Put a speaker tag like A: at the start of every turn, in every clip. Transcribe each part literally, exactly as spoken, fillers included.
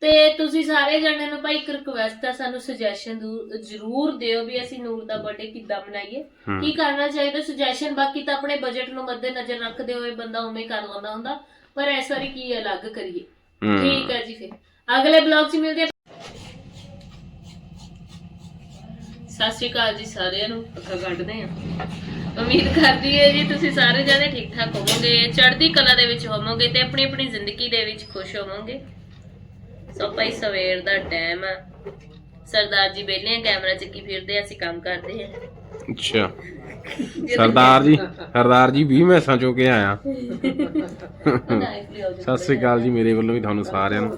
A: ਤੇ ਤੁਸੀਂ ਸਾਰੇ ਜਣਿਆਂ ਨੂੰ ਭਾਈ ਇੱਕ ਰਿਕਵੈਸਟ ਆ, ਸਾਨੂੰ ਸੁਜੈਸ਼ਨ ਜ਼ਰੂਰ ਦਿਓ ਵੀ ਅਸੀਂ ਨੂਰ ਦਾ ਬਰਥਡੇ ਕਿੱਦਾਂ ਮਨਾਈਏ, ਕੀ ਕਰਨਾ ਚਾਹੀਦਾ ਸੁਜੈਸ਼ਨ। ਬਾਕੀ ਤਾਂ ਆਪਣੇ ਬਜਟ ਨੂੰ ਮੱਦੇ ਨਜ਼ਰ ਰੱਖਦੇ ਹੋਏ ਬੰਦਾ ਉਵੇਂ ਕਰ ਲੈਂਦਾ ਹੁੰਦਾ, ਪਰ ਇਸ ਵਾਰੀ ਕੀ ਅਲੱਗ ਕਰੀਏ। ਠੀਕ ਹੈ ਜੀ, ਫਿਰ ਅਗਲੇ ਬਲੌਗ 'ਚ ਮਿਲਦੇ। ਸਤਿ ਸ਼੍ਰੀ ਅਕਾਲ ਜੀ ਸਾਰਿਆਂ ਨੂੰ। ਪੱਕਾ ਕੱਢਦੇ ਆ। ਉਮੀਦ ਕਰਦੀ ਹੈ ਜੀ ਤੁਸੀਂ ਸਾਰੇ ਜਣੇ ਠੀਕ ਠਾਕ ਹੋਵੋਗੇ, ਚੜ੍ਹਦੀ ਕਲਾ ਦੇ ਵਿੱਚ ਹੋਵੋਗੇ ਤੇ ਆਪਣੀ ਆਪਣੀ ਜ਼ਿੰਦਗੀ ਦੇ ਵਿੱਚ ਖੁਸ਼ ਹੋਵੋਗੇ। ਸੋ ਭਾਈ ਸਵੇਰ ਦਾ ਟਾਈਮ ਆ, ਸਰਦਾਰ ਜੀ ਵਿਹਲੇ ਕੈਮਰਾ ਚੱਕੀ ਫਿਰਦੇ, ਅਸੀਂ ਕੰਮ ਕਰਦੇ ਆ।
B: ਅੱਛਾ ਸਰਦਾਰ ਜੀ, ਸਰਦਾਰ ਜੀ ਵੀਹ ਮੈਸਾਂ ਚੋ ਕੇ ਆਇਆ। ਸਤਿ ਸ੍ਰੀ ਅਕਾਲ ਜੀ ਮੇਰੇ ਵੱਲੋਂ ਵੀ ਤੁਹਾਨੂੰ ਸਾਰਿਆਂ ਨੂੰ।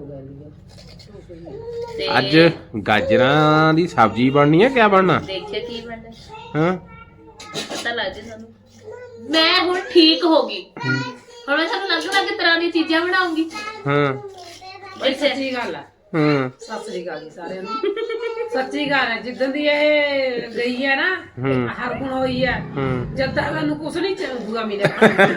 B: ਅੱਜ ਗਾਜਰਾਂ ਦੀ ਸਬਜ਼ੀ ਬਣਨੀ ਹੈ, ਕਿਆ ਬਣਨਾ
A: ਦੇਖਿਆ ਕੀ ਬਣਨਾ
B: ਹਾਂ
A: ਪਤਾ ਲੱਗ ਜੇ ਸਾਨੂੰ। ਮੈਂ ਹੁਣ ਠੀਕ ਹੋ ਗਈ, ਹੁਣ ਮੈਂ ਸਾਨੂੰ ਅਲੱਗ ਅਲੱਗ ਤਰ੍ਹਾਂ ਦੀਆਂ ਚੀਜ਼ਾਂ ਬਣਾਉਂਗੀ।
B: ਹਾਂ
C: ਸੱਚੀ ਗੱਲ ਆ।
B: ਹਾਂ
C: ਸਤਿ ਸ੍ਰੀ ਅਕਾਲ ਜੀ ਸਾਰਿਆਂ ਨੂੰ। ਸੱਚੀ ਗੱਲ ਹੈ, ਜਿੱਦਾਂ ਦੀ ਇਹ ਗਈ ਹੈ ਨਾ ਹਰ ਗੁਣ ਹੋਈ ਹੈ, ਜਦ ਤੱਕ ਸਾਨੂੰ ਕੁਛ ਨਹੀਂ ਚਾਹੂਗਾ ਮਿਲਿਆ।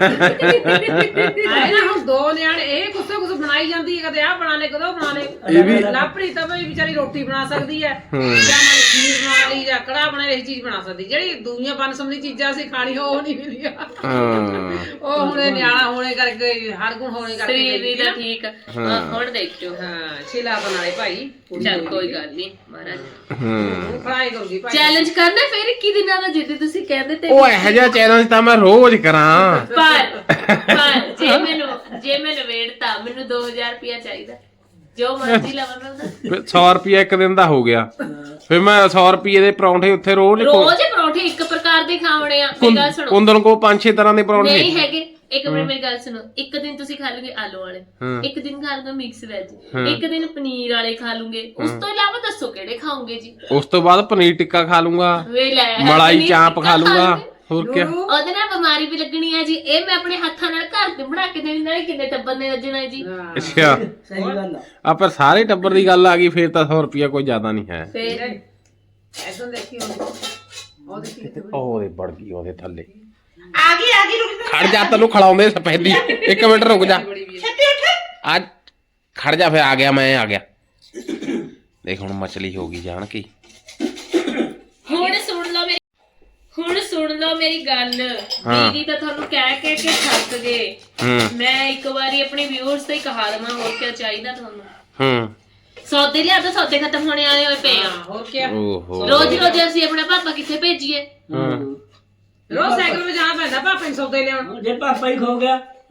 C: ਆਏ ਨਾ ਹੁਣ ਦੋ ਨਿਆਣੇ ਇਹ ਕੁਛ ਕੁਛ ਬਣਾਈ ਜਾਂਦੀ ਹੈ, ਕਦੇ ਆਹ ਬਣਾ ਲੈ ਕਦੇ ਉਹ ਬਣਾ ਲੈ। ਲਾਪਰੀ ਤਾਂ ਬਈ ਵਿਚਾਰੀ ਰੋਟੀ ਬਣਾ ਸਕਦੀ ਹੈ, ਜਾਂ ਮਾੜੀ ਖੀਰ ਬਣਾ ਲਈ ਜਾਂ ਕੜਾਹ ਬਣਾ ਲਈ, ਚੀਜ਼ ਬਣਾ ਸਕਦੀ। ਜਿਹੜੀ ਦੁਨੀਆ ਬਨਸਬੰਦੀ ਚੀਜ਼ਾਂ ਅਸੀਂ ਖਾਣੀ ਉਹ ਨਹੀਂ ਮਿਲੀਆਂ। ਉਹ ਹੁਣ ਨਿਆਣਾ ਹੋਣੇ ਕਰਕੇ, ਹਰ ਗੁਣ ਹੋਣੇ ਕਰਕੇ
A: ਸਰੀਰ ਦਾ ਠੀਕ ਆ। ਹੁਣ ਦੇਖਿਓ
C: ਹਾਂ ਛਿਲਾ ਬਣਾਏ ਭਾਈ।
A: ਚੱਲ ਕੋਈ ਗੱਲ ਨਹੀਂ ਮਹਾਰਾਜ
C: ਹੂੰ ਫਰਾਈ ਕਰੂਗੀ ਭਾਈ।
A: ਚੈਲੰਜ ਕਰਨਾ ਫਿਰ ਇੱਕੀ ਦਿਨਾਂ ਦਾ, ਜਿੱਦ ਤੁਸੀਂ ਕਹਿੰਦੇ ਤੇ
B: ਉਹ ਇਹੋ ਜਿਹਾ ਚੈਲੰਜ ਤਾਂ ਮੈਂ ਰੋਜ਼ ਕਰਾਂ।
A: ਪਰ ਪਰ ਜੇ ਮੈਨੂੰ ਜੇ ਮੈਂ ਨਵੇੜਤਾ, ਮੈਨੂੰ ਦੋ ਹਜ਼ਾਰ ਰੁਪਇਆ ਚਾਹੀਦਾ, ਜੋ ਮਰਜ਼ੀ ਲਵਾਂ ਮੈਂ ਉਹਦਾ।
B: ਸੌ ਰੁਪਇਆ ਇੱਕ ਦਿਨ ਦਾ ਹੋ ਗਿਆ, ਫਿਰ ਮੈਂ ਸੌ ਰੁਪਏ ਦੇ ਪਰੌਂਠੇ ਉੱਥੇ ਰੋਜ਼
A: ਰੋਜ਼ ਪਰੌਂਠੇ ਇੱਕ ਪ੍ਰਕਾਰ ਦੇ ਖਾਵਣੇ ਆ। ਮੇਰੀ ਗੱਲ ਸੁਣੋ,
B: ਕੁੰਦਨ ਕੋ ਪੰਜ ਛੇ ਤਰ੍ਹਾਂ ਦੇ ਪਰੌਂਠੇ
A: ਨਹੀਂ ਹੈਗੇ। ਇੱਕ ਮਿੰਟ ਮੇਰੀ ਗੱਲ ਸੁਣੋ, ਇੱਕ ਦਿਨ ਤੁਸੀਂ ਖਾ ਲਓਗੇ ਆਲੂ ਵਾਲੇ, ਇੱਕ ਦਿਨ ਖਾ ਲਓਗੇ ਮਿਕਸ ਵੈਜ, ਇੱਕ ਦਿਨ ਪਨੀਰ ਵਾਲੇ ਖਾ ਲੂਗੇ, ਉਸ ਤੋਂ ਇਲਾਵਾ ਦੱਸੋ ਕਿਹੜੇ ਖਾਓਗੇ ਜੀ?
B: ਉਸ ਤੋਂ ਬਾਅਦ ਪਨੀਰ ਟਿੱਕਾ ਖਾ ਲੂੰਗਾ,
A: ਵੇ ਲੈ
B: ਮਲਾਈ ਚਾਂਪ ਖਾ ਲੂੰਗਾ, ਹੋਰ ਕੀ।
A: ਉਹਦੇ ਨਾਲ ਬਿਮਾਰੀ ਵੀ ਲੱਗਣੀ ਹੈ ਜੀ। ਇਹ ਮੈਂ ਆਪਣੇ ਹੱਥਾਂ ਨਾਲ ਘਰ ਤੇ ਬਣਾ ਕੇ ਦੇਣੀ, ਨਾਲੇ ਕਿੰਨੇ ਟੱਬਰ ਨੇ ਰੱਜਣਾ ਜੀ।
B: ਅੱਛਾ
C: ਸਹੀ ਗੱਲ ਆ।
B: ਆ ਪਰ ਸਾਰੇ ਟੱਬਰ ਦੀ ਗੱਲ ਆ ਗਈ, ਫੇਰ ਤਾਂ ਸੌ ਰੁਪਇਆ ਕੋਈ ਜ਼ਿਆਦਾ ਨਹੀਂ ਹੈ।
A: ਫੇਰ
C: ਐਦਾਂ ਦੇਖੀ ਉਹ ਦੇਖੀ
B: ਉਹਦੇ ਵੜ ਗਈ ਉਹਦੇ ਥੱਲੇ।
C: ਆ ਗਈ ਆ ਗਈ ਰੁਕ
B: ਖੜ ਜਾ, ਤੈਨੂੰ ਖਿਲਾਉਂਦੇ ਸਪੈਦੀ। ਇੱਕ ਮਿੰਟ ਰੁਕ ਜਾ, ਅੱਜ ਖੜ ਜਾ, ਫਿਰ ਆ ਗਿਆ ਮੈਂ ਆ ਗਿਆ। ਦੇਖ ਹੁਣ ਮਛਲੀ ਹੋ ਗਈ ਜਾਣ ਕੀ।
A: ਹੁਣ ਸੁਣ ਲਓ ਮੇਰੀ ਹੁਣ ਸੁਣ ਲਓ ਮੇਰੀ ਗੱਲ। ਦੀਦੀ ਤਾਂ ਤੁਹਾਨੂੰ ਕਹਿ ਕਹਿ ਕੇ ਥੱਕ ਗਏ। ਮੈਂ ਇੱਕ ਵਾਰੀ ਆਪਣੇ ਵਿਊਅਰਸ ਤੇ ਕਹਾ ਦਵਾਂ, ਹੋਰ ਕੀ ਚਾਹੀਦਾ ਤੁਹਾਨੂੰ?
B: ਹੂੰ
A: ਸੌਦੇ ਲਿਆ ਤਾਂ ਸੌਦੇ ਖਤਮ ਹੋਣੇ ਵਾਲੇ ਹੋਏ ਪਏ ਆ।
C: ਹੋਰ ਕੀ
B: ਓਹੋ
A: ਰੋਜ਼ ਰੋਜ਼ ਅਸੀਂ ਆਪਣਾ ਪਾਪਾ ਕਿੱਥੇ ਭੇਜੀਏ?
C: ਰੋਜ਼ ਸਾਈਕਲ 'ਤੇ ਜਾਣਾ ਪੈਂਦਾ ਪਾਪਾ ਨੂੰ ਸੌਦੇ ਲਿਆਉਣ।
D: ਜੇ ਪਾਪਾ ਹੀ ਖੋ ਗਿਆ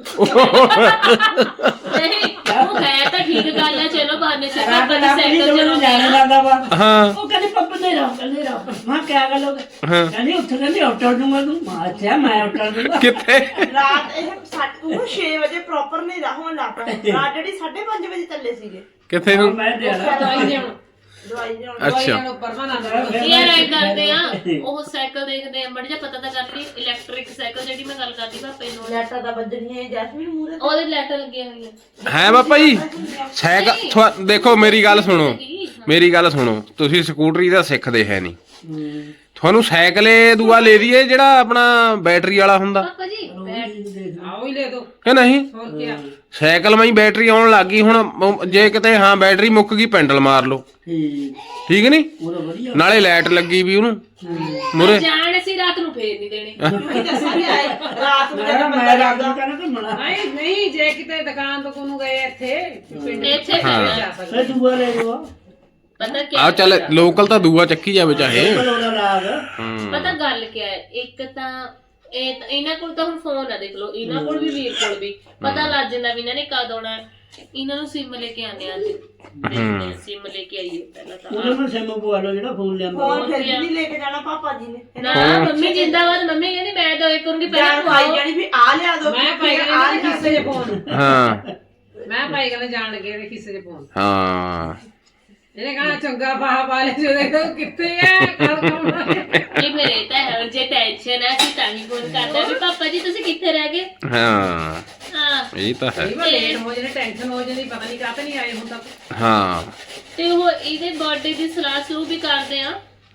A: ਨਹੀਂ ਉਹ ਹੈ ਤਾਂ ਠੀਕ ਗੱਲ ਹੈ, ਚਲੋ ਬਹਾਨੇ ਸਿਰ ਪਾਪਾ ਦੀ ਸਾਈਕਲ ਚਲਾਉਂਦੇ
D: ਜਾਣੇ
A: ਆ।
D: ਲੱਗਦਾ ਵਾ।
B: ਹਾਂ
D: ਉਹ ਕਹਿੰਦੇ ਪਾਪਾ ਨਹੀਂ ਰਹਾ ਕਹਿੰਦੇ ਰਹਾ ਮੈਂ ਕਿਆ ਗੱਲ ਹੋ ਗਈ, ਕਹਿੰਦੀ ਉੱਥੇ ਕਹਿੰਦੀ ਆਟੋ ਦੂੰਗਾ ਤੂੰ। ਮੈਂ ਅੱਛਾ ਮੈਂ ਆਟੋ ਦੂੰਗਾ
B: ਕਿੱਥੇ?
E: ਰਾਤ ਇਹ ਸਾਢੇ ਛੇ ਵਜੇ ਪ੍ਰੋਪਰ ਨਹੀਂ ਹੋਣ ਲੱਗ ਪਿਆ। ਰਾਤ ਜਿਹੜੀ ਸਾਢੇ ਪੰਜ ਵਜੇ ਚੱਲੇ ਸੀਗੇ
B: ਕਿੱਥੇ ਨੂੰ?
D: ਮੈਂ ਦੇ ਲਾ
C: ਦਵਾਈ ਲਿਆਉਣ
E: ਦਵਾਈ ਲਿਆਉਣ।
B: ਅੱਛਾ
C: ਦਵਾਈਆਂ ਨੂੰ ਪਰਮਾਨੈਂਟ
A: ਯਾਰ ਐ ਕਰਦੇ ਆ, ਉਹ ਸਾਈਕਲ ਦੇਖਦੇ ਆ, ਮੜ ਜਾ ਪਤਾ ਤਾਂ ਕਰ ਲਈ। ਇਲੈਕਟ੍ਰਿਕ ਸਾਈਕਲ ਜਿਹੜੀ ਮੈਂ ਗੱਲ ਕਰਦੀ ਪਾਪੇ ਨੂੰ,
E: ਲੈਟਾਂ ਦਾ ਵੱਜਣੀਆਂ ਜੈਸਮੀਨ ਮੂਰੇ
A: ਉਹਦੇ ਲੈਟਰ ਲੱਗੀਆਂ ਹੋਈਆਂ।
B: ਹੈ ਪਾਪਾ ਜੀ ਸਾਈਕਲ ਥੁਆ- ਦੇਖੋ ਮੇਰੀ ਗੱਲ ਸੁਣੋ, ਮੇਰੀ ਗੱਲ ਸੁਣੋ। ਤੁਸੀਂ ਸਕੂਟਰੀ ਦਾ ਸਿੱਖਦੇ ਹੈ ਨਹੀਂ, ਤੁਹਾਨੂੰ ਸਾਈਕਲੇ ਦੂਆ ਲੈ ਦਈਏ ਜਿਹੜਾ ਆਪਣਾ ਬੈਟਰੀ ਵਾਲਾ ਹੁੰਦਾ
A: ਪਾਪਾ ਜੀ
C: ਆਓ ਹੀ ਲੈ ਦੋ
B: ਕਿ ਨਹੀਂ?
C: ਹੋਰ ਕੀ।
B: ਸਾਈਕਲ ਮੈਂ ਬੈਟਰੀ ਆਉਣ ਲੱਗ ਗਈ ਹੁਣ, ਜੇ ਕਿਤੇ ਹਾਂ ਬੈਟਰੀ ਮੁੱਕ ਗਈ ਪੈਂਡਲ ਮਾਰ ਲਓ,
D: ਠੀਕ
B: ਠੀਕ ਨਹੀਂ?
D: ਉਹ ਵਧੀਆ
B: ਨਾਲੇ ਲਾਈਟ ਲੱਗੀ ਵੀ ਉਹਨੂੰ ਮੁਰੇ।
A: ਜਾਣ ਅਸੀਂ ਰਾਤ ਨੂੰ ਫੇਰ ਨਹੀਂ ਦੇਣੀ।
E: ਵੀ ਦੱਸਾਂਗੇ ਆਏ ਰਾਤ ਨੂੰ
D: ਮੈਂ ਮੈਂ ਰਾਤ ਨੂੰ ਕਹਿੰਦਾ ਕਿ ਮਣਾ
C: ਨਹੀਂ ਨਹੀਂ ਜੇ ਕਿਤੇ ਦੁਕਾਨ ਤੋਂ ਕੋਨੂੰ ਗਏ ਇੱਥੇ ਪਿੰਡ
A: ਇੱਥੇ
B: ਹਾਂ।
C: ਜਾ
D: ਫੇ
C: ਸਕਦੇ।
D: ਦੂਆ ਲੈ ਲਓ
A: ਪਤਾ ਕੀ
B: ਆਹ ਚੱਲ ਲੋਕਲ ਤਾਂ ਦੂਆ ਚੱਕੀ ਜਾਵੇ ਚਾਹੇ।
D: ਉਹਦਾ ਲਾਗ
B: ਹੂੰ
A: ਪਤਾ ਗੱਲ ਕੀ ਹੈ, ਇੱਕ ਤਾਂ ਇਹ ਤਾਂ- ਇਹਨਾਂ ਕੋਲ ਤਾਂ ਹੁਣ ਫੋਨ ਆ, ਦੇਖ ਲਓ ਇਹਨਾਂ ਕੋਲ ਵੀ, ਵੀਰ ਕੋਲ ਵੀ ਪਤਾ ਲੱਗ ਜਾਂਦਾ ਵੀ ਇਹਨਾਂ ਨੇ ਕਦ ਆਉਣਾ। ਇਹਨਾਂ ਨੂੰ ਸਿਮ ਲੈ ਕੇ ਆਨੇ ਅੱਜ, ਸਿਮ ਲੈ ਕੇ ਆਈਏ ਪਹਿਲਾਂ ਤਾਂ।
D: ਉਹਨੇ ਮੈਂ ਸਿਮ ਪਵਾ ਲਓ ਜਿਹੜਾ ਫੋਨ ਲਿਆਂਦਾ।
E: ਫੋਨ ਫਿਰ ਵੀ ਨਹੀਂ ਲੈ ਕੇ ਜਾਣਾ ਪਾਪਾ ਜੀ ਨੇ।
A: ਨਾ ਮੰਮੀ ਜਿੰਦਾਬਾਦ। ਮੰਮੀ ਕਹਿੰਦੀ ਮੈਂ ਦੋ ਇੱਕ ਕਰੂੰਗੀ ਪਹਿਲਾਂ
E: ਜਾਨ
A: ਤੂੰ
E: ਖਾਈ
A: ਆਓ।
E: ਜਾਣੀ ਵੀ ਆ ਲਿਆ ਦੋ,
C: ਮੈਂ ਪਾਈ
E: ਆ
C: ਗਏ
E: ਲਿਆ
C: ਖਿੱਸੇ 'ਚ ਫੋਨ।
B: ਹਾਂ
C: ਮੈਂ ਪਾਈ ਗਏ ਜਾਣ ਲੱਗੇ ਇਹਦੇ ਖਿੱਸੇ 'ਚ ਫੋਨ।
B: ਹਾਂ
C: ਇਹਨੇ ਕਹਣਾ ਚੰਗਾ ਬਾਹ ਪਾ ਲੈ ਜੋ ਦੇਖੋ ਕਿੱਥੇ ਹੈ ਕੱਲ ਕੰਮ।
A: ਇਹ ਫਿਰ ਇਹ ਤਾਂ ਹੈ, ਜੇ ਟੈਨਸ਼ਨ ਹੈ ਅਸੀਂ ਤਾਂ ਹੀ ਫੋਨ ਕਰਦੇ ਵੀ ਪਾਪਾ ਜੀ ਤੁਸੀਂ ਕਿੱਥੇ ਰਹਿ ਗਏ।
B: ਹਾਂ
A: ਹਾਂ
B: ਇਹ ਤਾਂ ਹੈ।
C: ਕਈ ਵਾਰ ਲੇਟ ਹੋ ਜਾਂਦੇ, ਟੈਨਸ਼ਨ ਹੋ ਜਾਂਦੀ, ਪਤਾ ਨਹੀਂ ਕਾਹਤੇ ਨਹੀਂ ਆਏ ਹੁਣ ਤੱਕ।
B: ਹਾਂ
A: ਤੇ ਉਹ ਇਹਦੇ ਬਰਥਡੇ ਦੀ ਸਲਾਹ ਸ਼ੁਰੂ ਵੀ ਕਰਦੇ ਆ।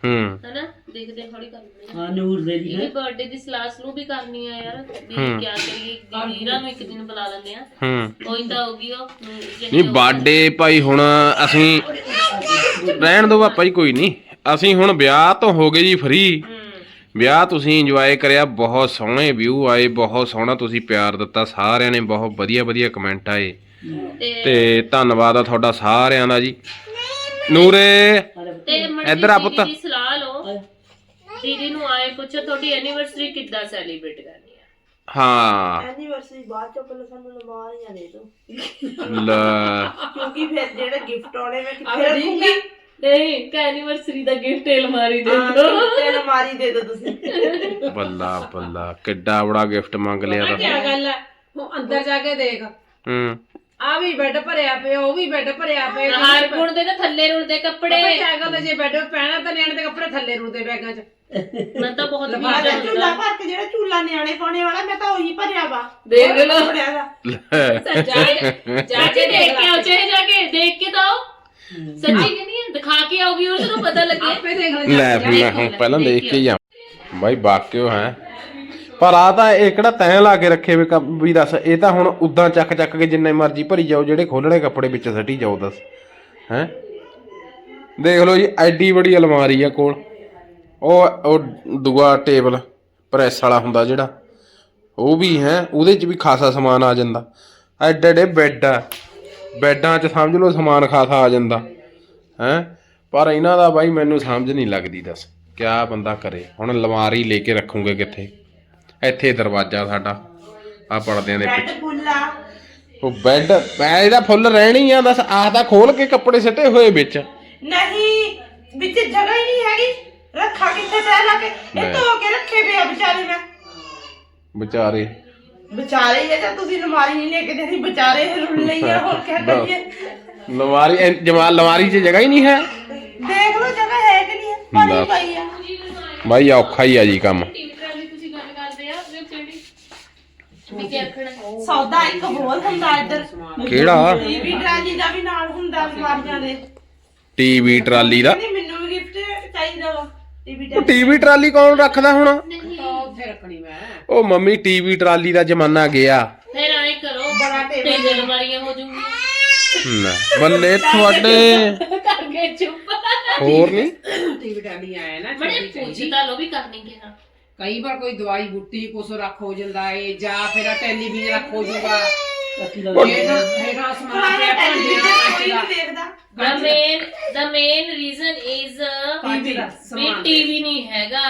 B: ਹੂੰ
A: ਹਨਾ ਦੇਖਦੇ ਥੋੜੀ ਕਰਨੀ
D: ਹਾਂ ਨੂਰ ਦੇ ਦੀ
A: ਇਹਦੀ ਬਰਥਡੇ ਦੀ ਸਲਾਹ ਸਲੂ ਵੀ ਕਰਨੀ ਆ ਯਾਰ ਵੀ ਕੀ ਕਰੀਏ ਵੀਰਾਂ ਨੂੰ ਇੱਕ ਦਿਨ ਬੁਲਾ ਲੈਂਦੇ ਆ
B: ਹੂੰ
A: ਕੋਈ ਤਾਂ ਹੋਗੀ ਉਹ
B: ਨਹੀਂ ਬਰਥਡੇ ਭਾਈ ਹੁਣ ਅਸੀਂ ਰਹਿਣ ਦੋ ਪਾਪਾ ਜੀ ਕੋਈ ਨਹੀਂ ਅਸੀਂ ਹੁਣ ਵਿਆਹ ਤੋਂ ਹੋ ਗਏ ਜੀ ਫ੍ਰੀ ਵਿਆਹ ਤੁਸੀਂ ਇੰਜੋਏ ਕਰਿਆ ਬਹੁਤ ਸੋਹਣੇ ਵਿਊ ਆਏ ਬਹੁਤ ਸੋਹਣਾ ਤੁਸੀਂ ਪਿਆਰ ਦਿੱਤਾ ਸਾਰਿਆਂ ਨੇ ਬਹੁਤ ਵਧੀਆ ਵਧੀਆ ਕਮੈਂਟ ਆਏ ਤੇ ਧੰਨਵਾਦ ਆ ਤੁਹਾਡਾ ਸਾਰਿਆਂ ਦਾ ਜੀ ਨੂਰੇ
A: ਤੇ
B: ਇੱਧਰ ਆ ਪੁੱਤ।
A: ਦੀਦੀ ਦੀ ਸਲਾਹ ਲਓ ਦੀਦੀ ਨੂੰ ਆਏ ਪੁੱਛੋ ਤੁਹਾਡੀ ਐਨੀਵਰਸਰੀ ਕਿੱਦਾਂ ਸੈਲੀਬ੍ਰੇਟ ਕਰਨੀ ਆ
B: ਹਾਂ
E: ਐਨੀਵਰਸਰੀ ਬਾਅਦ ਚੋਂ ਪਹਿਲਾਂ ਸਾਨੂੰ ਲਮਾਰੀਆਂ ਦੇ ਦਿਓ
B: ਲੈ
E: ਕਿਉਂਕਿ ਫਿਰ ਜਿਹੜੇ ਗਿਫਟ ਆਉਣੇ ਮੈਂ ਕਿੱਥੇ
C: ਆਹ ਠੀਕ
E: ਰੱਖੂੰਗੀ
C: ਹੈ
A: ਨਹੀਂ ਕਿ ਐਨੀਵਰਸਰੀ ਦਾ ਗਿਫਟ ਅਲਮਾਰੀ ਦੇ
E: ਹਾਂ,
A: ਦਿਓ
E: ਤੇ ਅਲਮਾਰੀ ਦੇ ਦਿਓ ਤੁਸੀਂ
B: ਬੱਲਾ ਬੱਲਾ ਕਿੱਡਾ ਬੜਾ ਗਿਫਟ ਮੰਗ ਲਿਆ
C: ਪਤਾ
B: ਤਾਂ
C: ਕੀ ਗੱਲ ਹੈ ਹੁਣ ਅੰਦਰ ਜਾ ਕੇ ਦੇਖ
B: ਹੂੰ
C: ਆ ਵੀ ਬੈੱਡ ਭਰਿਆ ਪਿਆ ਉਹ ਵੀ ਬੈੱਡ ਭਰਿਆ ਪਿਆ
A: ਹਾਰ ਗੁਣ ਦੇ ਤਾਂ ਥੱਲੇ ਰੁਲਦੇ ਕੱਪੜੇ
C: ਪਤਾ ਕੀ ਗੱਲ ਹੈ ਜੇ ਬੈੱਡ ਪੈਣਾ ਤਾਂ ਨਿਆਣੇ ਦੇ ਕੱਪੜੇ ਥੱਲੇ ਰੁਲਦੇ ਬੈਗਾਂ 'ਚ
A: ਮੈਂ ਤਾਂ ਬਹੁਤ
E: ਮੈਂ
A: ਵੀਜ਼ਾ
E: ਤਾਂ ਝੂਲਾ ਭਰ ਕੇ ਜਿਹੜਾ ਝੂਲਾ ਨਿਆਣੇ ਪਾਉਣੇ ਵਾਲਾ ਮੈਂ ਤਾਂ ਉਹੀ ਭਰਿਆ ਵਾ
A: ਦੇਖ ਲਓ।
E: ਉਹ ਭਰਿਆ ਵਾ।
B: ਲੈ।
A: ਜਾ ਕੇ ਜਾ ਕੇ ਦੇਖ ਕੇ ਆਓ ਚਾਹੇ ਜਾ ਕੇ ਦੇਖ ਕੇ ਤਾਂ ਆਓ ਸੱਚੀ ਕਿ ਨਹੀਂ ਦਿਖਾ ਕੇ ਆਓ ਵੀਰਸ ਨੂੰ ਪਤਾ ਲੱਗੇ
C: ਆਪੇ ਦੇਖ ਲੈ
B: ਲੈ ਫਿਰ ਮੈਂ ਹੁਣ ਪਹਿਲਾਂ ਦੇਖ ਕੇ ਜਾ ਬਾਈ ਬਾਕਿਓ ਹੈ ਪਰ ਆ ਤਾਂ ਇਹ ਕਿਹੜਾ ਤੈਂ ਲਾ ਕੇ ਰੱਖੇ ਵੀ ਕੰਮ ਵੀ ਦੱਸ ਇਹ ਤਾਂ ਹੁਣ ਉਦਾਂ ਚੱਕ ਚੱਕ ਕੇ ਜਿੰਨੇ ਮਰਜ਼ੀ ਭਰੀ ਜਾਓ ਜਿਹੜੇ ਖੋਲਣੇ ਕੱਪੜੇ ਵਿੱਚ ਸੱਟੀ ਜਾਓ ਦੱਸ ਹੈ ਦੇਖ ਲਓ ਜੀ ਐਡੀ ਬੜੀ ਅਲਮਾਰੀ ਆ ਕੋਲ ਉਹ ਉਹ ਦੂਆ ਟੇਬਲ ਪ੍ਰੈਸ ਵਾਲਾ ਹੁੰਦਾ ਜਿਹੜਾ ਉਹ ਵੀ ਹੈ ਉਹਦੇ 'ਚ ਵੀ ਖਾਸਾ ਸਮਾਨ ਆ ਜਾਂਦਾ ਐਡੇ ਐਡੇ ਬੈੱਡ ਆ ਬੈੱਡਾਂ 'ਚ ਸਮਝ ਲਓ ਸਮਾਨ ਖਾਸਾ ਆ ਜਾਂਦਾ ਹੈ ਪਰ ਇਹਨਾਂ ਦਾ ਬਾਈ ਮੈਨੂੰ ਸਮਝ ਨਹੀਂ ਲੱਗਦੀ ਦੱਸ ਕਿਆ ਬੰਦਾ ਕਰੇ ਹੁਣ ਅਲਮਾਰੀ ਲੈ ਕੇ ਰੱਖੂਗੇ ਕਿੱਥੇ ਇੱਥੇ ਦਰਵਾਜ਼ਾ ਸਾਡਾ ਆ ਪਰਦਿਆਂ ਦੇ
E: ਬੈੱਡ
B: ਪਿੱਛੇ
E: ਫੁੱਲਾ
B: ਉਹ ਬੈੱਡ ਪੈ ਇਹਦਾ ਫੁੱਲ ਰਹਿਣੀ ਆ ਦੱਸ ਆਹ ਤਾਂ ਖੋਲ ਕੇ ਕੱਪੜੇ ਸਿੱਟੇ ਹੋਏ ਵਿੱਚ
E: ਨਹੀਂ ਵਿੱਚ ਜਗ੍ਹਾ ਹੀ ਨਹੀਂ ਹੈਗੀ ਰੱਖਾ ਕਿੱਥੇ ਪੈ ਲਾ ਕੇ ਇਹ ਧੋ ਕੇ ਰੱਖੇ ਪਏ ਆ ਵਿਚਾਰੇ ਮੈਂ
B: ਵਿਚਾਰੇ
E: ਵਿਚਾਰੇ ਹੀ ਆ ਜਾਂ ਤੁਸੀਂ ਅਲਮਾਰੀ ਨਹੀਂ ਲੈ ਕੇ ਦੇਣੀ ਵਿਚਾਰੇ ਰੁੱਲ ਲਈ ਆ ਹੋਰ ਕਿਆ ਕਰੀਏ
B: ਅਲਮਾਰੀ ਐ- ਜਮਾ ਅਲਮਾਰੀ 'ਚ ਜਗ੍ਹਾ ਹੀ ਨਹੀਂ ਹੈ
E: ਦੇਖ ਲਓ ਜਗ੍ਹਾ ਹੈ ਕਿ ਨਹੀਂ ਹੈ ਪਾਣੀ
B: ਦੱਸ।
E: ਪਈ ਆ
B: ਬਾਈ ਔਖਾ ਹੀ ਆ ਜੀ ਕੰਮ
A: ਟੀਵੀ ਟਰਾਲੀ ਤੁਸੀਂ ਗੱਲ ਕਰਦੇ ਆ ਉਹ ਕਿਹੜੀ ਵੀ ਕੀ ਆਖਣਾ
E: ਸੌਦਾ ਇੱਕ ਹੋਰ ਹੁੰਦਾ ਇੱਧਰ
B: ਕਿਹੜਾ
E: ਟੀਵੀ ਟਰਾਲੀ ਦਾ ਵੀ ਨਾਲ ਹੁੰਦਾ ਅਲਮਾਰੀਆਂ ਦੇ
B: ਟੀਵੀ ਟਰਾਲੀ ਦਾ
E: ਨਹੀਂ ਮੈਨੂੰ ਵੀ ਗਿਫਟ ਚਾਹੀਦਾ ਵਾ ਟੀਵੀ
B: ਉਹ ਟੀਵੀ ਟਰਾਲੀ ਕੌਣ ਰੱਖਦਾ ਹੁਣ
C: ਉੱਥੇ ਰੱਖਣੀ ਮੈਂ
B: ਉਹ ਮੰਮੀ ਟੀਵੀ ਟਰਾਲੀ ਦਾ ਜ਼ਮਾਨਾ ਗਿਆ
A: ਫਿਰ ਆਏ ਕਰੋ
E: ਬੜਾ ਟੇਬਲ
A: ਤਿੰਨ ਅਲਮਾਰੀਆਂ ਹੋ ਜੂਗੀਆਂ
B: ਲੈ ਬੱਲੇ ਤੁਹਾਡੇ
A: ਕਰਕੇ ਚੁੱਪ
B: ਹੋਰ ਨਹੀਂ
C: ਟੀਵੀ ਟਾਲੀ ਆਇਆ ਨਾ
A: ਬੜੇ
C: ਛੋਟੀ ਜਿਹੀ।
A: ਪੁੱਛ ਤਾਂ ਲੋ ਵੀ ਕਰਨੀ ਕਿਹਾ
C: ਕਈ ਵਾਰ ਕੋਈ ਦਵਾਈ ਬੂਟੀ ਕੁਛ ਰੱਖ ਹੋ ਜਾਂਦਾ ਏ ਜਾਂ ਫਿਰ ਟੈਲੀਵਿਜ਼ਨ ਰੱਖ ਹੋ ਜੂਗਾ
D: ਬਾਕੀ ਦਾ
C: ਹੈਗਾ ਹੈਗਾ ਸਮਾਨ ਪਿਆ
E: ਟੈਲੀਵਿਜ਼ਨ ਕੋਈ
C: ਭਾਂਡਿਆਂ
E: ਨਹੀਂ ਦੇਖਦਾ
A: the main the main reason is
C: TV ਦਾ
A: ਵੀ
C: ਸਮਾਨ
A: ਟੀਵੀ ਨਹੀਂ ਹੈਗਾ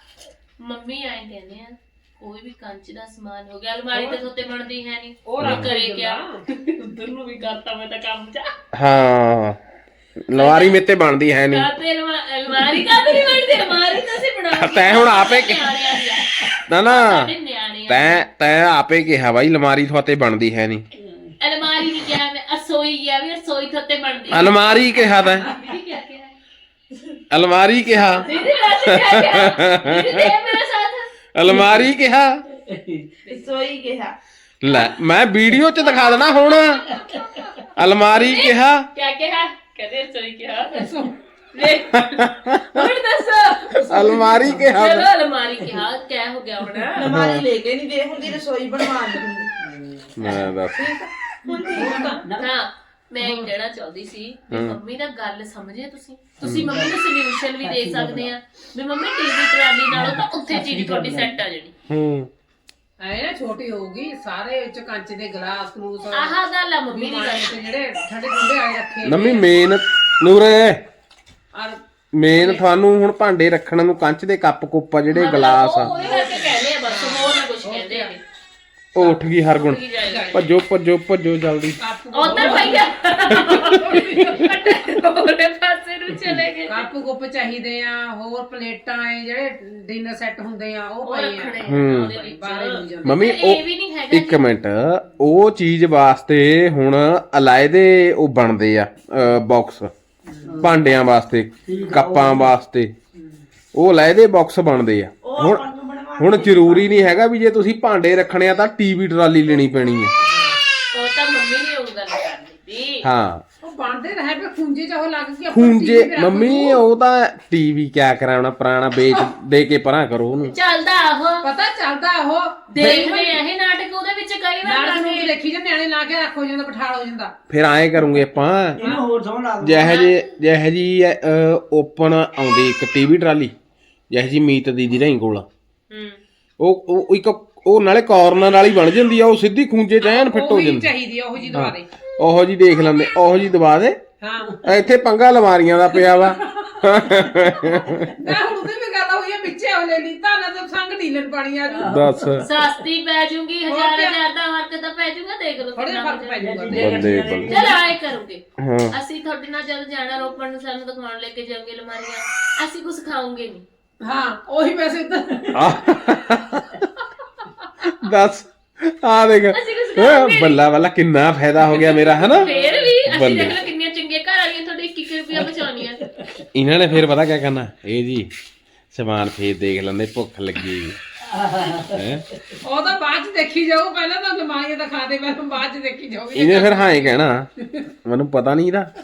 A: ਮੰਮੀ ਆਏ ਕਹਿੰਦੇ ਆ ਕੋਈ ਵੀ ਕੰਚ ਦਾ ਸਮਾਨ ਹੋ ਗਿਆ ਅਲਮਾਰੀ ਤੇ ਉੱਤੇ ਬਣਦੀ ਹੈ ਨਹੀਂ
C: ਉਹ
A: ਉਹ
C: ਰੱਖ
A: ਕਰੇ
C: ਦਿੰਦਾ।
A: ਕਿਆ ਉਧਰ ਨੂੰ ਵੀ ਕਰਤਾ ਮੈਂ ਤਾਂ ਕੰਮ ਚ
B: ਹਾਂ ਅਲਮਾਰੀ ਮੇਤੇ ਬਣਦੀ ਹੈ ਨਹੀਂ
A: ਕਾਤੇ ਅਲਮਾਰੀ ਕਾਤੇ ਨਹੀਂ ਬਣਦੀ ਅਲਮਾਰੀ ਤਾਂ ਅਸੀਂ ਬਣਾਉਂਦੇ
B: ਤੈਂ ਹੁਣ ਆਪੇ ਕਿ-
A: ਨਿਆਣਿਆਂ ਦੀ ਆ।
B: ਨਾ ਨਾ
A: ਸਾਡੇ ਨਿਆਣੇ ਆ।
B: ਤੈਂ ਤੈਂ ਆਪੇ ਕਿਹਾ ਬਾਈ ਅਲਮਾਰੀ ਤੁਹਾਤੇ ਬਣਦੀ ਹੈ ਨਹੀਂ
A: ਅਲਮਾਰੀ ਨਹੀਂ ਕਿਹਾ ਮੈਂ ਅਸੋਈ ਗਿਆ ਵੀ ਅਸੋਈ ਥੱਤੇ ਬਣਦੀ ਆ।
B: ਅਲਮਾਰੀ ਕਿਹਾ ਤੈਂ
A: ਦੀਦੀ ਕਿਆ ਕਿਹਾ
B: ਅਲਮਾਰੀ ਕਿਹਾ
A: ਦੀਦੀ ਵੈਸੇ ਕਿਆ ਕਿਹਾ ਦੀਦੀ ਦੇ ਮੇਰੇ ਸਾਥ
B: ਅਲਮਾਰੀ ਕਿਹਾ
E: ਸੋਈ ਕਿਹਾ
B: ਲੈ ਮੈਂ ਵੀਡੀਓ 'ਚ ਦਿਖਾ ਦੇਣਾ ਹੁਣ ਅਲਮਾਰੀ ਕਿਹਾ
A: ਕਿਆ ਕਿਹਾ ਕਹਿੰਦੇ ਅਸੋਈ ਕਿਹਾ ਲੈ ਹੁਣ ਦੱਸੋ
B: ਅਲਮਾਰੀ ਕਿਹਾ
A: ਚਲੋ ਅਲਮਾਰੀ ਕਿਹਾ ਕਿਆ ਹੋ ਗਿਆ ਹੁਣ
E: ਅਲਮਾਰੀ ਲੈ ਕੇ ਨਹੀਂ ਦੇ ਹੁੰਦੀ ਰਸੋਈ ਬਣਵਾ ਨਹੀਂ ਹੁੰਦੀ
B: ਮੈਂ ਦੱਸ
A: ਹਾਂ ਮੈਂ ਇਹ ਕਹਿਣਾ ਚਾਹੁੰਦੀ ਸੀ ਵੀ ਮੰਮੀ ਦਾ ਗੱਲ ਸਮਝੇ ਤੁਸੀਂ ਤੁਸੀਂ ਮੰਮੀ ਨੂੰ ਸੋਲੂਸ਼ਨ ਵੀ ਦੇ ਸਕਦੇ ਆ ਵੀ ਮੰਮੀ ਟੀਵੀ ਟਰਾਲੀ ਨਾਲੋਂ ਤਾਂ ਉੱਥੇ ਚੀਜ਼ ਤੁਹਾਡੀ ਸੈੱਟ ਆ ਜਾਣੀ
B: ਹੂੰ
C: ਐ ਨਾ ਛੋਟੀ ਹੋਊਗੀ ਸਾਰੇ ਵਿੱਚ ਕੰਚ ਦੇ ਗਲਾਸ ਗਲੂਸ
A: ਆਹ ਗੱਲ ਆ ਮੰਮੀ ਦੀ ਗੱਲ
C: ਤੇ ਜਿਹੜੇ ਠੰਡੇ ਠੰਡੇ ਆਏ ਰੱਖੇ
B: ਨੰਮੀ ਮੇਨ ਨੂਰੇ
C: ਔਰ
B: ਮੇਨ ਤੁਹਾਨੂੰ ਹੁਣ ਭਾਂਡੇ ਰੱਖਣ ਨੂੰ ਕੰਚ ਦੇ ਕੱਪ ਕੁੱਪ ਆ ਜਿਹੜੇ ਗਲਾਸ ਆ
A: ਉਹ ਉਹਦੇ ਕਰਕੇ ਕਹਿੰਦੇ ਆ ਬਸ ਹੋਰ ਨਾ ਕੁਝ ਕਹਿੰਦੇ ਆ
B: ਉਹ ਉੱਠ ਗਈ ਹਰਗੁਣ ਭੱਜੋ ਭੱਜੋ ਭੱਜੋ ਜਲਦੀ
A: ਉਧਰ ਭਈਆ ਉਹਦੇ ਪਾਸੇ ਨੂੰ ਚਲੇ ਗਏ
C: ਕੱਪ ਗੁੱਪ ਚਾਹੀਦੇ ਆ ਹੋਰ ਪਲੇਟਾਂ ਐ ਜਿਹੜੇ ਡਿਨਰ ਸੈੱਟ ਹੁੰਦੇ ਆ ਉਹ
A: ਉਹ
C: ਪਏ
A: ਰੱਖਣੇ
C: ਆ
A: ਆ ਉਹਦੇ ਵਿੱਚ
C: ਬਾਹਰ ਨਹੀਂ ਜਾਂਦੇ
B: ਮੰਮੀ
A: ਇਹ
B: ਉਹ
A: ਵੀ ਨਹੀਂ ਹੈਗਾ
B: ਇੱਕ ਮਿੰਟ ਉਹ ਚੀਜ਼ ਵਾਸਤੇ ਹੁਣ ਅਲਾਇਦੇ ਉਹ ਬਣਦੇ ਆ ਬਾਕਸ ਭਾਂਡਿਆਂ ਵਾਸਤੇ ਕੱਪਾਂ ਵਾਸਤੇ ਉਹ ਅਲਾਇਦੇ ਬਾਕਸ ਬਣਦੇ ਆ ਹੁਣ ਹੁਣ ਜ਼ਰੂਰੀ ਨਹੀਂ ਹੈਗਾ ਵੀ ਜੇ ਤੁਸੀਂ ਭਾਂਡੇ ਰੱਖਣੇ ਆ ਤਾਂ ਟੀਵੀ ਟਰਾਲੀ ਲੈਣੀ ਪੈਣੀ ਹੈ
A: ਉਹ ਤਾਂ ਮੰਮੀ ਨੇ ਉਹ ਗੱਲ ਕਰਨੀ ਸੀ
B: ਹਾਂ
C: ਬਣਦੇ ਰਹੇ ਪਏ ਖੂੰਜੇ ਚ ਉਹ ਲੱਗ ਗਿਆ
B: ਖੂੰਜੇ ਮੰਮੀ ਉਹ ਤਾਂ ਟੀਵੀ ਕਿਆ ਕਰਾਉਣਾ ਪੁਰਾਣਾ ਵੇਚ ਦੇ ਕੇ ਪਰਾਂ ਕਰੋ ਉਹਨੂੰ
A: ਚੱਲਦਾ ਉਹ
C: ਪਤਾ ਚੱਲਦਾ ਉਹ
A: ਦੇਖਦੇ ਆ ਇਹ ਨਾਟਕ ਉਹਦੇ ਵਿੱਚ ਕਈ ਵਾਰ
C: ਨਾਲ ਨੂੰ
A: ਕਰਦੇ
C: ਦੇਖੀ ਜਾਂਦੇ ਨਿਆਣੇ ਲਾ ਕੇ ਰੱਖੋ ਜਾਂਦਾ ਬਿਠਾਲ ਹੋ ਜਾਂਦਾ
B: ਫਿਰ ਐਂ ਕਰੂੰਗੇ ਆਪਾਂ
D: ਇਹਨੂੰ ਹੋਰ ਸੌਂ ਲਾ ਦੋ
B: ਜਿਹੇ ਜੇ ਜਿਹੇ ਜੀ ਓਪਨ ਆਉਂਦੀ ਇੱਕ ਟੀਵੀ ਟਰਾਲੀ ਜਿਹੇ ਜੀ ਮੀਤ ਦੀਦੀ ਰਹੀ ਕੋਲ
A: ਹੂੰ
B: ਉਹ ਉਹ ਇੱਕ ਉਹ ਨਾਲੇ ਕਾਰਨਰ ਨਾਲ ਹੀ ਬਣ ਜਾਂਦੀ ਆ ਉਹ ਸਿੱਧੀ ਖੂੰਜੇ ਚ ਐਨ ਫਿੱਟ ਹੋ
C: ਉਹੀ
B: ਜਾਂਦੀ
C: ਚਾਹੀਦੀ ਆ ਉਹ ਜੀ ਦਵਾ ਦੇ
B: ਉਹੋ ਜੀ ਦੇਖ ਲੈਂਦੇ ਉਹੋ ਜੀ ਦਬਾ ਦੇ
C: ਹਾਂ
B: ਇੱਥੇ ਪੰਗਾ ਅਲਮਾਰੀਆਂ ਦਾ ਪਿਆ ਵਾ
C: ਮੈਂ ਹੁਣ ਉਹਦੇ ਵੀ ਗੱਲ ਹੋਈ ਆ ਪਿੱਛੇ ਉਹ ਲੈ ਲਈ ਤਾਂ ਨਾ ਤਾਂ ਸੰਗ ਢੀਲਣ ਪਾਣੀ ਆ ਜੂ
B: ਦੱਸ
A: ਸਸਤੀ ਪੈ ਜੂਗੀ ਹਜ਼ਾਰ ਹਜ਼ਾਰ ਦਾ ਫਰਕ ਤਾਂ ਪੈ ਜੂਗਾ ਦੇਖ ਲਓ
C: ਥੋੜੇ
A: ਕਿੰਨਾ
C: ਫਰਕ ਪੈ
A: ਹੋ ਜਾਊਗਾ।
C: ਜਾਊਗਾ
B: ਬੱਲੇ ਬੱਲੇ
A: ਚਲ ਆਏ ਕਰੋਗੇ
B: ਹਾਂ
A: ਅਸੀਂ ਤੁਹਾਡੇ ਨਾਲ ਜਦ ਜਾਣਾ ਰੋਪੜ ਨੂੰ ਸਾਨੂੰ ਦਿਖਾਉਣ ਲੈ ਕੇ ਜਾਵਾਂਗੇ ਅਲਮਾਰੀਆਂ ਅਸੀਂ ਕੁਝ ਖਾਵਾਂਗੇ ਨਹੀਂ
C: ਹਾਂ ਉਹੀ ਪੈਸੇ ਉੱਧਰ
B: ਦੱਸ ਆ ਦੇਖ
A: ਅਸੀਂ ਕੁਝ
B: ਹੈਂ,
A: ਖਾਵਾਂਗੇ
B: ਬੱਲਾ ਬੱਲਾ ਕਿੰਨਾ ਫਾਇਦਾ ਹੋ ਗਿਆ ਮੇਰਾ ਹਨਾ
A: ਫੇਰ ਵੀ ਅਸੀਂ
B: ਬੱਲੇ।
A: ਦੇਖ ਲਓ ਕਿੰਨੀਆਂ ਚੰਗੀਆਂ ਘਰ ਵਾਲੀਆਂ ਤੁਹਾਡੇ ਇੱਕ ਇੱਕ ਰੁਪਿਆ ਬਚਾਉਣੀਆਂ
B: ਇਹਨਾਂ ਨੇ ਫੇਰ ਪਤਾ ਕਿਆ ਕਰਨਾ ਇਹ ਜੀ ਸਮਾਨ ਫੇਰ ਦੇਖ ਲੈਂਦੇ ਭੁੱਖ ਲੱਗੀ ਹੈ
C: ਉਹ ਤਾਂ ਬਾਅਦ ਚ ਦੇਖੀ ਜਾਊ ਪਹਿਲਾਂ ਤਾਂ ਅਲਮਾਰੀਆਂ ਤਾਂ ਖਾ ਦੇ ਮੈਂ ਬਾਅਦ ਚ ਦੇਖੀ ਜਾਊਗੀ
B: ਇਹਨੇ ਫਿਰ ਹਾਂ ਹੀ ਕਹਿਣਾ ਮੈਨੂੰ ਪਤਾ ਨਹੀਂ ਇਹਦਾ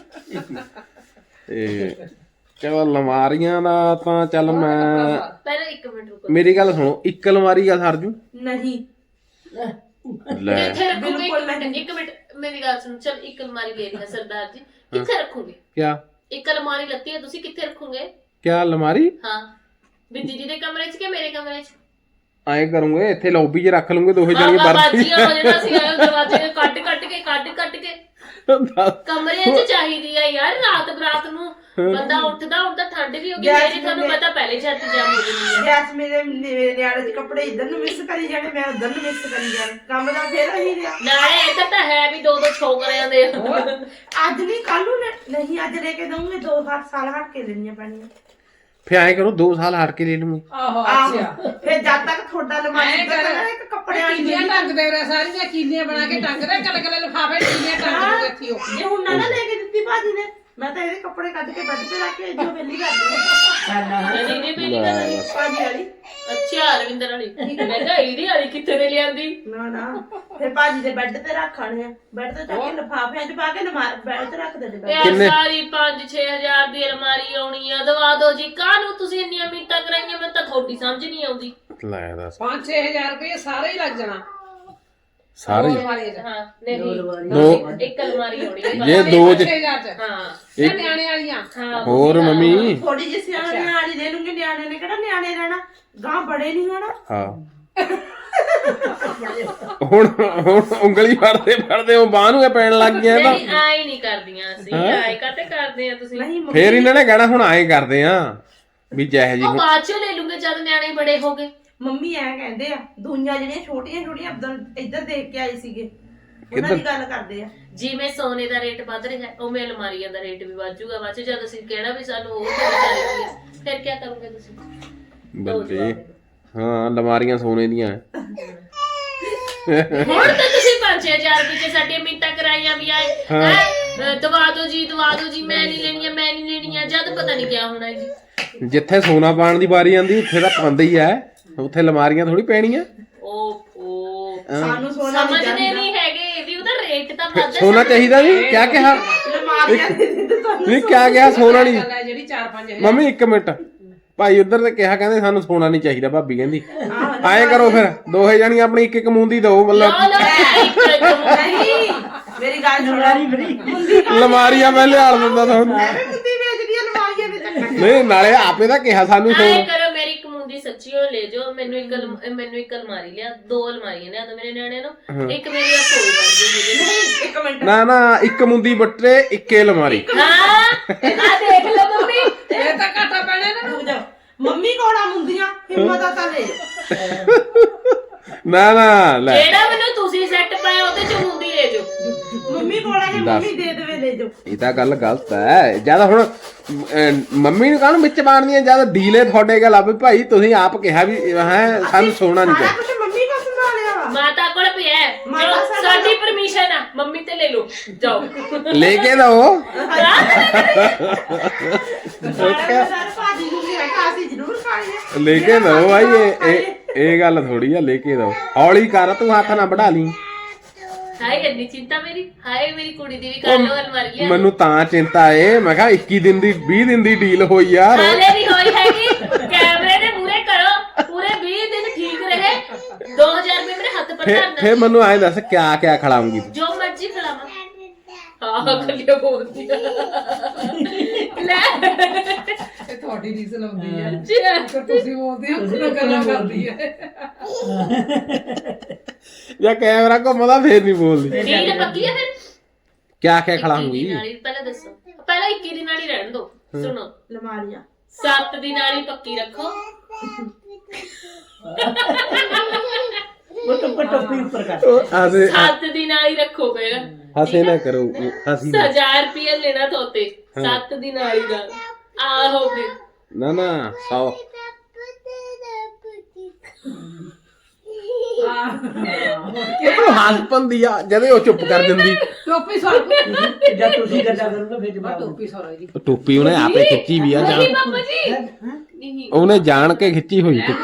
B: ਤੇ ਚਲੋ ਅਲਮਾਰੀਆਂ ਦਾ ਤਾਂ ਚੱਲ ਮੈਂ
A: ਪਹਿਲਾਂ ਇੱਕ ਮਿੰਟ ਰੁਕੋ
B: ਮੇਰੀ ਗੱਲ ਸੁਣੋ ਇੱਕ ਅਲਮਾਰੀ ਦਾ ਸਰਜੂ
E: ਨਹੀਂ
B: ਲੈ
A: ਕਿੱਥੇ ਰੱਖੋਗੇ ਇੱਕ ਮਿੰਟ ਇੱਕ ਮਿੰਟ ਮੇਰੀ ਗੱਲ ਸੁਣੋ ਚਲ ਇੱਕ ਅਲਮਾਰੀ ਲੈ ਲਿਆ ਸਰਦਾਰ ਜੀ ਕਿੱਥੇ ਰੱਖੋਗੇ
B: ਕਿਆ
A: ਇੱਕ ਅਲਮਾਰੀ ਲੱਤੀ ਹੈ ਤੁਸੀਂ ਕਿੱਥੇ ਰੱਖੋਗੇ
B: ਕਿਆ ਅਲਮਾਰੀ
A: ਹਾਂ ਵੀ ਦੀਦੀ ਦੇ ਕਮਰੇ 'ਚ ਕਿ ਮੇਰੇ ਕਮਰੇ 'ਚ
B: ਐਂ ਕਰੂੰਗੇ ਇੱਥੇ ਲੌਬੀ 'ਚ ਰੱਖ ਲੂੰਗੇ ਦੋਹੇ
A: ਬਾਬਾ
B: ਜਣੀਆਂ
A: ਬਾਜੀਆਂ ਹੋ ਜਾਣਾ ਸੀ ਆਇਓ ਦਰਵਾਜ਼ੇ ਕੱਟ ਕੱਟ ਕੇ ਕੱਟ ਕੱਟ ਕੇ ਕਮਰੇ 'ਚ ਚਾਹੀਦੀ ਆ ਯਾਰ ਰਾਤ ਬਰਾਤ ਨੂੰ ਬੰਦਾ ਉੱਠਦਾ ਉੱਠਦਾ ਠੰਡ ਵੀ ਹੋ ਗਈ ਮੇਰੀ ਤੁਹਾਨੂੰ ਪਤਾ ਪਹਿਲੇ ਛਾਤੀ ਜਾਮ ਹੋ ਜਾਂਦੀ ਹੈ
E: ਗੈਸ ਮੇਰੇ ਮੇਰੇ ਨਿਆਣੇ ਦੇ ਕੱਪੜੇ ਇੱਧਰ ਨੂੰ ਮਿਕਸ ਕਰੀ ਜਾਣੇ ਮੈਂ ਉੱਧਰ ਨੂੰ ਮਿਕਸ ਕਰੀ ਜਾਣੇ ਕੰਮ ਦਾ ਫੇਰ ਹੀ ਰਿਹਾ
A: ਨਾਲੇ ਇੱਧਰ ਤਾਂ ਹੈ ਵੀ ਦੋ ਦੋ ਛੋਕਰਿਆਂ ਦੇ
E: ਅੱਜ ਨਹੀਂ ਕੱਲ ਨੂੰ ਲੈ- ਨਹੀਂ ਅੱਜ ਲੈ ਕੇ ਦਊਂਗੇ ਦੋ ਹੱਥ ਸਾਲ ਹਟ ਕੇ ਲੈਣੀਆਂ ਪੈਣੀਆਂ
B: ਫਿਰ ਐਂ ਕਰੋ ਦੋ ਸਾਲ ਹਟ ਕੇ ਲੈ ਲੂੰਗੇ
C: ਆਹੋ
E: ਆਹੋ
C: ਅੱਛਾ
E: ਫਿਰ ਜਦ ਤੱਕ ਤੁਹਾਡਾ ਲਮਾਰੀ
C: ਐਂ ਕਰ
E: ਦਾ ਇੱਕ ਕੱਪੜਿਆਂ ਵਾਲੀ
C: ਕੀਲੀਆਂ ਟੰਗਦੇ ਰਹੇ ਸਾਰੀਆਂ ਕੀਲੀਆਂ ਬਣਾ ਕੇ ਟੰਗਦੇ ਕੱਲ ਕੱਲ ਲਿਫਾਫੇ ਕੀਲੀਆਂ ਟੰਗ ਕੇ ਇੱਥੇ ਉਹ
E: ਜੇ ਹੁਣ ਨਾ ਨਾ ਲੈ ਕੇ ਦਿੱਤੀ ਭਾਜੀ ਨੇ ਮੈਂ ਤਾਂ ਇਹਦੇ ਕੱਪੜੇ ਕੱਢ ਕੇ ਬੈੱਡ ਤੇ ਰੱਖ ਕੇ ਜੋ ਵੇਲੀ ਕਰ ਦਿੰਦੀ
A: ਦੀਦੀ ਮੇਰੀ ਗੱਲ
E: ਭਾਜੀ ਵਾਲੀ
A: ਅੱਛਾ ਅਰਵਿੰਦਰ ਵਾਲੀ ਮੈਂ ਕਿਹਾ ਇਹਦੀ ਵਾਲੀ ਕਿੱਥੇ ਦੇ ਲਿਆਂਦੀ
E: ਨਾ ਨਾ ਫਿਰ ਭਾਜੀ ਦੇ ਬੈੱਡ ਤੇ ਰੱਖਣੇ ਆ ਬੈੱਡ ਤੇ ਚੱਕ ਕੇ ਲਿਫਾਫਿਆਂ 'ਚ ਪਾ ਕੇ ਬੈੱਡ ਤੇ ਰੱਖ ਦੇ ਬੈੱਡ
A: ਯਾਰ ਸਾਰੀ ਪੰਜ ਛੇ ਹਜ਼ਾਰ ਦੀ ਅਲਮਾਰੀ ਆਉਣੀ ਆ ਦਵਾ ਦੋ ਜੀ ਕਾਹਨੂੰ ਤੁਸੀਂ ਇੰਨੀਆਂ ਮਿੰਟਾਂ ਕਰਾਈਆਂ ਮੈਨੂੰ ਤਾਂ ਤੁਹਾਡੀ ਸਮਝ ਨਹੀਂ ਆਉਂਦੀ
B: ਲੈ ਦੱਸ
C: ਪੰਜ ਛੇ ਹਜ਼ਾਰ ਰੁਪਏ ਸਾਰੇ ਹੀ ਲੱਗ ਜਾਣਾ
B: ਸਾਰੇ
C: ਅਲਮਾਰੀ ਦਾ
A: ਹਾਂ ਨਹੀਂ
B: ਦੋ
A: ਇੱਕ ਅਲਮਾਰੀ ਆਉਣੀ ਹੈ
B: ਜੇ ਦੋ
C: ਛੇ
B: ਚ
C: ਹਜ਼ਾਰ ਚ
A: ਹਾਂ
C: ਇਹ ਨਿਆਣੇ ਵਾਲੀਆਂ
A: ਹਾਂ
B: ਹੋਰ ਮੰਮੀ
E: ਥੋੜੀ ਜਿਹੀ ਸਿਆਣੇ ਵਾਲੀ ਦੇ ਲੂੰਗੇ ਨਿਆਣੇ ਨੇ ਕਿਹੜਾ ਨਿਆਣੇ ਰਹਿਣਾ ਗਾਂ ਬੜੇ ਨਹੀਂ ਹੋਣਾ
B: ਹਾਂ ਹੁਣ ਹੁਣ ਉਂਗਲੀ ਫੜਦੇ ਫੜਦੇ ਉਹ ਬਾਹ ਨੂੰ ਇਹ ਪੈਣ ਲੱਗ ਗਿਆ ਤਾਂ
A: ਨਹੀਂ ਆਏ ਨਹੀਂ ਕਰਦੀਆਂ ਅਸੀਂ ਆਏ ਕਾਤੇ ਕਰਦੇ ਆ ਤੁਸੀਂ
E: ਨਹੀਂ
B: ਫੇਰ ਇਹਨਾਂ ਨੇ ਕਹਿਣਾ ਹੁਣ ਆਏ ਕਰਦੇ ਆ ਵੀ ਜਿਹੇ ਜੀ
A: ਉਹ ਬਾਅਦ ਚ ਲੈ ਲੂੰਗੇ ਜਦ ਨਿਆਣੇ ਬੜੇ ਹੋ ਗਏ
E: ਮੰਮੀ ਐ ਕਹਿੰਦੇ ਆ ਦੁਨੀਆ ਜਿਹੜੀਆਂ ਛੋਟੀਆਂ ਛੋਟੀਆਂ ਇੱਧਰ ਇੱਧਰ ਦੇਖ ਕੇ ਆਏ ਸੀਗੇ ਉਹਨਾਂ ਦੀ ਗੱਲ ਕਰਦੇ ਆ
A: ਜਿਵੇਂ ਸੋਨੇ ਦਾ ਰੇਟ ਵੱਧ ਰਿਹਾ ਹੈ ਉਵੇਂ ਅਲਮਾਰੀਆਂ ਦਾ ਰੇਟ ਵੀ ਵੱਧੂਗਾ ਬਾਅਦ ਚ ਜਦ ਅਸੀਂ ਕਹਿਣਾ ਵੀ ਸਾਨੂੰ ਉਹ ਚਾਹੀਦੀ ਹੈ ਫਿਰ ਕੀ ਕਰੋਗੇ ਤੁਸੀਂ
B: ਬੱਲੇ ਹਾਂ ਅਲਮਾਰੀਆਂ ਸੋਨੇ ਦੀਆਂ
A: ਹੁਣ ਤਾਂ ਤੁਸੀਂ ਪੰਜ ਛੇ ਹਜ਼ਾਰ ਰੁਪਏ ਚ ਸਾਡੀਆਂ ਮਿੰਟਾਂ ਕਰਾਈਆਂ ਵੀ ਆਏ ਹੈਂ? ਦਵਾ ਦਿਓ ਜੀ ਦਵਾ ਦਿਓ ਜੀ ਮੈਂ ਨਹੀਂ ਲੈਣੀਆਂ ਮੈਂ ਨਹੀਂ ਲੈਣੀਆਂ ਜਦ ਪਤਾ ਨਹੀਂ ਕਿਆ ਹੋਣਾ ਜੀ
B: ਜਿੱਥੇ ਸੋਨਾ ਪਾਣ ਦੀ ਵਾਰੀ ਆਂਦੀ ਉੱਥੇ ਤਾਂ ਪਾਉਂਦੇ ਹੀ ਐ ਉੱਥੇ ਅਲਮਾਰੀਆਂ ਥੋੜੀ ਪੈਣੀਆਂ
A: ਓਹੋ
E: ਸਾਨੂੰ ਸੋਨਾ ਨਹੀਂ
A: ਸਮਝਦੇ ਨਹੀਂ ਹੈਗੇ ਵੀ ਉਹਦਾ ਰੇਟ ਤਾਂ ਵੱਧ
B: ਸੋਨਾ ਚਾਹੀਦਾ ਨਹੀਂ ਕਿਆ ਕਿਹਾ
E: ਲਮਾਰੀਆਂ ਦੇ ਦਿੱਤੇ ਸਾਨੂੰ
B: ਨਹੀਂ ਕਿਆ ਕਿਹਾ ਸੋਨਾ ਨਹੀਂ
C: ਗੱਲ ਹੈ ਜਿਹੜੀ ਚਾਰ ਪੰਜ ਹਜ਼ਾਰ
B: ਮੰਮੀ ਇੱਕ ਮਿੰਟ ਭਾਈ ਉਧਰ ਤੇ ਕਿਹਾ ਕਹਿੰਦੇ ਸਾਨੂੰ ਸੋਨਾ ਨਹੀਂ ਚਾਹੀਦਾ ਭਾਬੀ ਕਹਿੰਦੀ ਐਂ ਕਰੋ ਫਿਰ ਦੋਹੇ ਜਾਣੀਆਂ ਆਪਣੀ ਇੱਕ ਇੱਕ ਮੂੰਦੀ ਦਓ ਮਤਲਬ
A: ਲਓ ਲਓ ਇੱਕ ਇੱਕ
E: ਨਹੀਂ ਮੇਰੀ ਗੱਲ ਸੁਣਾਰੀ ਬੜੀ ਮੁੰਦੀ
B: ਅਲਮਾਰੀਆਂ ਮੈਂ ਲਿਆਲ ਦਿੰਦਾ ਤੁਹਾਨੂੰ
E: ਐਵੇਂ ਮੁੰਦੀ ਵੇਚਦੀ ਆ ਲਮਾਰੀਆਂ ਦੇ ਚੱਕਰ
B: ਨਹੀਂ ਨਾਲੇ ਆਪੇ ਤਾਂ ਕਿਹਾ ਸਾਨੂੰ
A: ਆਏ
B: ਸੋਨਾ
A: ਕਰੋ ਮੇਰੀ ਇੱਕ ਮੁੰਦੀ ਸੱਚੀ ਹੋ ਲੈ ਜਾਓ ਮੈਨੂੰ ਇੱਕ ਅਲਮ- ਮੈਨੂੰ ਇੱਕ ਅਲਮਾਰੀ ਲਿਆ ਦੋ ਅਲਮਾਰੀਆਂ ਲਿਆ ਦੋ ਮੇਰੇ ਨਿਆਣੇ ਨੂੰ ਇੱਕ ਮੇਰੀ ਰਸੋਈ ਬਣ ਜੂਗੀ
E: ਇੱਕ ਮਿੰਟ
B: ਨਾ ਨਾ ਇੱਕ ਮੁੰਦੀ ਬੱਟੇ ਇੱਕੇ ਅਲਮਾਰੀ
A: ਹਾਂ ਆ ਦੇਖ ਲਓ ਮੰਮੀ
C: ਇਹ ਤਾਂ ਘਾਟਾ ਪੈਣਾ ਨਾ
E: ਰੁਕ ਜਾ ਮੰਮੀ ਕੋਲਾ ਮੁੰਦੀਆਂ ਹਿੰਮਤ ਆ ਤਾਂ ਲੈ ਜਾਓ
B: ਨਾ ਨਾ ਲੈ
A: ਜਿਹੜਾ ਮੈਨੂੰ ਤੁਸੀਂ ਸੈੱਟ ਪਾਇਆ ਉਹਦੇ ਚ ਮੁੰਦੀ ਲੈ ਜਾਓ
E: ਮੰਮੀ ਕੋਲਾ ਜੇ ਮੰਮੀ ਦੇ ਦੇਵੇ ਲੈ ਜਾਓ
B: ਇਹ ਤਾਂ ਗੱਲ ਗਲਤ ਹੈ ਜਿਆਦਾ ਹੁਣ ਅਹ, ਮੰਮੀ ਨੂੰ ਕਾਹਨੂੰ ਵਿੱਚ ਬਾਣਦੀਆਂ ਜਿਆਦਾ ਡੀਲੇ ਤੁਹਾਡੇ ਗੱਲ ਆ ਵੀ ਭਾਈ ਤੁਸੀਂ ਆਪ ਕਿਹਾ ਵੀ ਹੈ ਸਾਨੂੰ ਸੋਨਾ ਨਹੀਂ
E: ਸਾਰਾ
B: ਚਾਹੀਦਾ
E: ਕੁਝ ਮੰਮੀ ਕੋ ਸੰਭਾਲਿਆ ਵਾ
A: ਮਾਤਾ ਕੋਲ ਪਿਆ ਹੈ।
E: ਮਾਤਾ
A: ਜੋ
E: ਸਾਡੇ
A: ਸਾਡੀ ਪਰਮਿਸ਼ਨ ਆ ਮੰਮੀ ਤੇ ਲੈ ਲਓ ਜਾਓ
B: ਲੈ ਕੇ ਦਓ
E: ਸਾਰੇ ਸਾਰੇ ਭਾਜੀ ਨੂੰ ਵੀ ਰੱਖਾ ਸੀ ਜ਼ਰੂਰ ਖਾਣੀ
B: ਲੈ ਕੇ ਦਓ ਭਾਈ ਇਹ ਇਹ ਇਹ ਗੱਲ ਥੋੜੀ ਆ ਲੈ ਕੇ ਦਓ ਹੌਲੀ ਕਰ ਤੂੰ ਹੱਥ ਨਾ ਵਢਾ ਲਈ
A: ਹਾਏ ਇੰਨੀ ਚਿੰਤਾ ਮੇਰੀ ਹਾਏ ਮੇਰੀ ਕੁੜੀ ਦੀ ਵੀ ਕਰ ਲੋ ਅਲਮਾਰੀਆਂ
B: ਮੈਨੂੰ ਤਾਂ ਚਿੰਤਾ ਏ ਮੈਂ ਕਿਹਾ ਇੱਕੀ ਦਿਨ ਦੀ ਵੀਹ ਦਿਨ ਦੀ ਡੀਲ ਹੋਈ ਯਾਰ
A: ਹਾਲੇ ਨਹੀਂ ਹੋਈ ਹੈਗੀ ਕੈਮਰੇ ਦੇ ਮੂਹਰੇ ਕਰੋ ਪੂਰੇ ਵੀਹ ਦਿਨ ਠੀਕ ਰਹੇ ਦੋ ਹਜ਼ਾਰ ਰੁਪਏ ਮੇਰੇ ਹੱਥ ਪਰ
B: ਫੇ
A: ਧਰਨਾ
B: ਫੇ ਮੈਨੂੰ ਐਂ ਦੱਸ ਕਿਆ ਕਿਆ ਖਿਲਾਉਂਗੀ ਤੂੰ?
A: ਜੋ ਮਰਜ਼ੀ ਖਿਲਾਵਾਂ ਹਾਂ ਕੱਲਿਓ ਬੋਲਦੀ ਆ ਲੈ
C: ਇਹ ਤੁਹਾਡੀ ਰੀਜ਼ਨ ਹੁੰਦੀ ਹੈ
A: ਜੀ
C: ਫਿਰ ਤੁਸੀਂ ਬੋਲਦੇ ਹੋ ਕਿਉਂ ਗੱਲਾਂ ਕਰਦੀ ਹੈ
B: ਜਾਂ ਕੈਮਰਾ ਘੁੰਮਦਾ ਫੇਰ ਨਹੀਂ ਬੋਲਦੀ
A: ਡੀਲ ਪੱਕੀ ਹੈ ਫਿਰ
B: ਕਿਆ ਕਿਆ
A: ਇੱਕੀ
B: ਖਿਲਾਉਂਗੀ
A: ਦਿਨ ਵਾਲੀ ਪਹਿਲਾਂ ਦੱਸੋ ਪਹਿਲਾਂ ਇੱਕੀ ਦਿਨ ਵਾਲੀ ਰਹਿਣ ਦੋ ਸੁਣੋ
E: ਲਮਾਰੀਆਂ
A: ਸੱਤ ਦਿਨ ਵਾਲੀ ਪੱਕੀ ਰੱਖੋ
D: ਉਹ ਟੋਪੀ ਟੋਪੀ ਉੱਪਰ ਕਰ
B: ਆਸੇ
A: ਸੱਤ ਦਿਨ ਵਾਲੀ ਰੱਖੋ ਪਹਿਲਾਂ
B: ਹਸੇ ਨਾ ਕਰੋ ਹਸੀ ਨਾ
A: ਹਜ਼ਾਰ ਰੁਪਏ ਲੈਣਾ ਤੋਤੇ ਸੱਤ ਦਿਨ ਵਾਲੀ ਦਾ ਆਹੋ ਫਿਰ
B: ਨਾ ਨਾ ਸੌ ਉਹ ਹੱਸ ਪੰਦੀ ਆ ਜਦੇ ਉਹ ਚੁੱਪ ਕਰ ਦਿੰਦੀ
C: ਟੋਪੀ ਸੌ
D: ਜਦ ਤੁਸੀਂ ਗੱਲਾਂ ਕਰੋਗੇ ਫਿਰ ਜਵਾਬ
C: ਟੋਪੀ ਸੌ ਦੀ
B: ਉਹ ਟੋਪੀ ਉਹਨੇ ਆਪੇ ਖਿੱਚੀ ਵੀ ਆ
A: ਨਹੀਂ
B: ਜਾਣ
A: ਬਾਬਾ ਜੀ ਨਹੀਂ
B: ਉਹਨੇ ਜਾਣ ਕੇ ਖਿੱਚੀ ਹੋਈ ਟੋਪੀ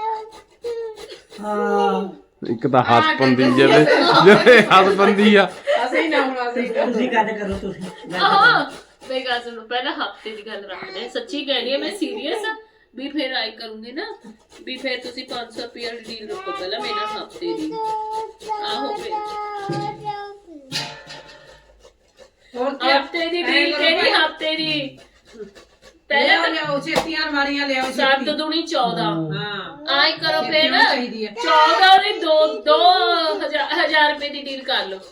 D: ਹਾਂ
B: ਇੱਕ ਤਾਂ ਹੱਸ ਪੰਦੀ ਜਦੇ ਜਦੇ ਹੱਸ ਪੰਦੀ ਆ
C: ਅਸੀਂ ਨਾ ਹੁਣ ਅਸੀਂ
D: ਤੁਸੀਂ ਗੱਲ ਕਰੋ ਤੁਸੀਂ
A: ਆਹੋ ਮੈਂ ਗੱਲ ਸੁਣੋ ਪਹਿਲਾਂ ਹਫਤੇ ਦੀ ਗੱਲ ਰੱਖਦੇ ਹਾਂ। ਸੱਚੀ ਕਹਿਣੀ ਹੈ ਮੈਂ ਸੀਰੀਅਸ ਵੀ ਫਿਰ ਆਈ ਕਰੂੰਗੀ ਨਾ ਵੀ ਫਿਰ ਤੁਸੀਂ ਪੰਜ ਸੌ ਰੁਪਏ ਦੀ ਡੀਲ ਰੱਖੋ ਪਹਿਲਾਂ ਮੇਰੇ ਨਾਲ ਹਫਤੇ ਦੀ ਆਹੋ ਫਿਰ
C: ਹੋਰ ਕੀ
A: ਹਫਤੇ ਦੀ ਡੀਲ ਕਿਹੜੀ ਹਫਤੇ ਦੀ ਪਹਿਲਾਂ
C: ਪਹਿਲਾਂ ਲਿਆਓ ਛੇਤੀਆਂ ਅਲਮਾਰੀਆਂ ਲਿਆਓ
A: ਸੱਤ
C: ਛੇਤੀ
A: ਦੂਣੀ ਚੌਦਾਂ
C: ਹਾਂ
A: ਆਈ ਕਰੋ ਫਿਰ
C: ਛੇਤੀ ਹੋਣੀ ਚਾਹੀਦੀ ਹੈ।
A: ਚੌਦਾਂ ਦੀ ਦੋ ਦੋ ਹਜ਼ਾਰ ਹਜ਼ਾਰ ਰੁਪਏ ਦੀ ਡੀਲ ਕਰ ਲਓ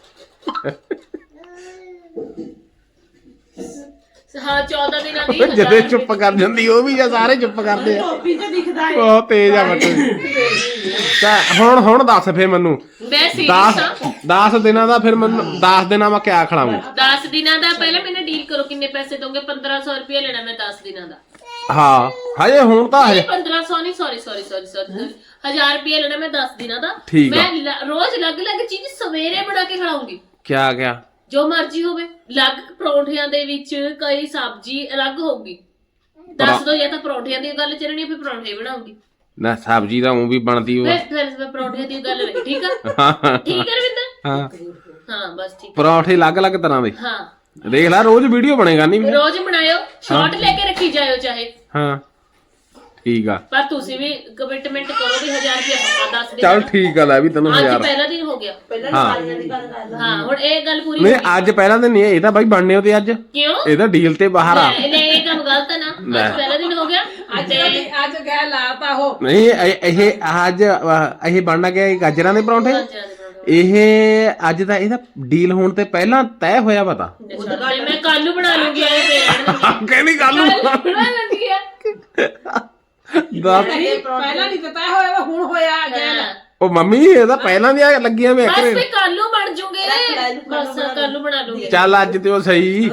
A: ਹਾਂ ਚੌਦਾਂ ਦਿਨਾਂ ਦੀ
B: ਉਹ ਜਦੇ ਚੁੱਪ ਕਰ ਜਾਂਦੀ ਉਹ ਵੀ ਜਾਂ ਸਾਰੇ ਚੁੱਪ ਕਰਦੇ ਆ
E: ਟੋਪੀ ਚ ਦਿਖਦਾ ਹੈ
B: ਬਹੁਤ ਤੇਜ਼ ਆ ਬੱਟੂ ਤਾਂ ਹੁਣ ਹੁਣ ਦੱਸ ਫੇ ਮੈਨੂੰ
A: ਮੈਂ ਸੀਰੀਅਸ ਹਾਂ
B: ਦਸ ਦਸ ਦਿਨਾਂ ਦਾ ਫਿਰ ਮੈਨੂੰ ਦਸ ਦਿਨਾਂ ਮੈਂ ਕਿਆ ਖਿਲਾਵਾਂ
A: ਦਸ ਦਿਨਾਂ ਦਾ ਪਹਿਲਾਂ ਮੈਨੂੰ ਡੀਲ ਕਰੋ ਕਿੰਨੇ ਪੈਸੇ ਦੋਗੇ ਪੰਦਰਾਂ ਸੌ ਰੁਪਏ ਲੈਣਾ ਮੈਂ ਦਸ ਦਿਨਾਂ ਦਾ
B: ਹਾਂ ਹਜੇ ਹੁਣ ਤਾਂ ਹਜੇ
A: ਪੰਦਰਾਂ ਸੌ ਨਹੀਂ ਸੌਰੀ ਸੌਰੀ ਸੌਰੀ ਸੌਰੀ ਹਜ਼ਾਰ ਰੁਪਏ ਲੈਣਾ ਮੈਂ ਦਸ ਦਿਨਾਂ ਦਾ
B: ਠੀਕ ਆ।
A: ਮੈਂ ਲ- ਰੋਜ਼ ਅਲੱਗ-ਅਲੱਗ ਚੀਜ਼ ਸਵੇਰੇ ਬਣਾ ਕੇ ਖਿਲਾਉਂਗੀ
B: ਕਿਆ ਕਿਆ
A: ਜੋ ਮਰਜ਼ੀ ਹੋਵੇ ਅਲੱਗ ਪਰੌਂਠਿਆਂ ਦੇ ਵਿੱਚ ਕਈ ਸਬਜ਼ੀ ਅਲੱਗ ਹੋਊਗੀ ਦੱਸ ਦੋ ਜਾਂ ਤਾਂ ਪਰੌਂਠਿਆਂ ਦੀ ਗੱਲ ਚੱਲਣੀ ਹੈ ਫਿਰ ਪਰੌਂਠੇ ਬਣਾਉਂਗੀ
B: ਨਾ ਸਬਜ਼ੀ ਤਾਂ ਉਹ ਵੀ ਬਣਦੀ ਉਹ
A: ਫਿਰ ਫਿਰ ਮੈਂ ਪਰੌਂਠਿਆਂ ਦੀ ਗੱਲ ਰਹੀ ਠੀਕ ਆ
B: ਹਾਂ
A: ਠੀਕ ਹੈ ਰਵਿੰਦਰ
B: ਹਾਂ
A: ਹਾਂ ਬਸ ਠੀਕ
B: ਪਰੌਂਠੇ ਅਲੱਗ-ਅਲੱਗ ਤਰ੍ਹਾਂ ਦੇ
A: ਹਾਂ
B: ਦੇਖ ਲੈ ਰੋਜ਼ ਵੀਡੀਓ ਬਣੇਗਾ ਨਹੀਂ
A: ਰੋਜ਼ ਬਣਾਇਓ ਸ਼ਾਰਟ ਲੈ ਕੇ ਰੱਖੀ ਜਾਇਓ ਚਾਹੇ
B: ਹਾਂ ਠੀਕ ਆ
A: ਪਰ ਤੁਸੀਂ ਵੀ ਕਮਿਟਮੈਂਟ ਕਰੋ ਵੀ ਹਜ਼ਾਰ ਰੁਪਏ ਪੱਕਾ ਦੱਸ ਦੇ
B: ਚੱਲ ਠੀਕ ਆ ਲੈ ਵੀ ਤੈਨੂੰ
A: ਅੱਜ
B: ਹਜ਼ਾਰ
A: ਪਹਿਲਾ ਦਿਨ ਹੋ ਗਿਆ
E: ਪਹਿਲਾਂ
B: ਹਾਂ।
E: ਲਮਾਰੀਆਂ ਦੀ ਗੱਲ ਕਰਦਾ
A: ਹਾਂ ਹੁਣ ਇਹ ਗੱਲ ਪੂਰੀ
B: ਨਹੀਂ
A: ਹੋ ਗਈ
B: ਅੱਜ ਪਹਿਲਾਂ ਤਾਂ ਨਹੀਂ ਇਹ ਤਾਂ ਬਾਈ ਬਣਨੇ ਉਹਦੇ ਅੱਜ
A: ਕਿਉਂ
B: ਇਹ ਤਾਂ ਡੀਲ ਤੇ ਬਾਹਰ ਆ
A: ਨਹੀਂ ਨਹੀਂ, ਇਹ ਕੰਮ ਗਲਤ ਹੈ ਨਾ
B: ਲੈ।
A: ਅੱਜ ਪਹਿਲਾ ਦਿਨ ਹੋ ਗਿਆ
C: ਅੱਜ
A: ਤੇ
C: ਅੱਜ ਗਏ ਲਾਤਾ ਉਹ
B: ਨਹੀਂ ਇਹ ਇਹ ਅੱਜ ਅਹ, ਇਹ ਬਣਨਾ ਗਿਆ ਇਹ ਗਾਜਰਾਂ ਦੇ ਪਰੌਂਠੇ
A: ਅੱਛਾ ਦੇ ਪਰੌਂਠੇ।
B: ਇਹ ਅੱਜ ਦਾ ਇਹਦਾ ਡੀਲ ਹੋਣ ਤੇ ਪਹਿਲਾਂ ਤੈਅ ਹੋਇਆ ਪਤਾ
A: ਅੱਛਾ, ਤੇ ਮੈਂ ਕੱਲ ਨੂੰ ਬਣਾ ਲੂੰਗੀ ਇਹ ਪੇਰੈਂਟ
B: ਕਹਿੰਦੀ ਗੱਲ ਨੂੰ
A: ਬਣਾ ਲੂੰਗੀ ਆ
B: ਦੱਸ
C: ਨਹੀਂ ਪਹਿਲਾਂ ਨਹੀਂ ਪਤਾ ਹੋਇਆ ਹੁਣ ਹੋਇਆ ਗਿਆ
A: ਹਾਂ।
B: ਉਹ ਮੰਮੀ ਇਹ ਤਾਂ ਪਹਿਲਾਂ ਦੀਆਂ ਲੱਗੀਆਂ ਵੇ
A: ਬਸ
B: ਕਰੇ
A: ਫੇ ਕੱਲ ਨੂੰ ਬਣ ਜੂਗੇ ਬਸ ਕੱਲ ਨੂੰ ਬਣਾ ਲੂੰਗੀ
B: ਚੱਲ ਅੱਜ ਤੇ ਉਹ ਸਹੀ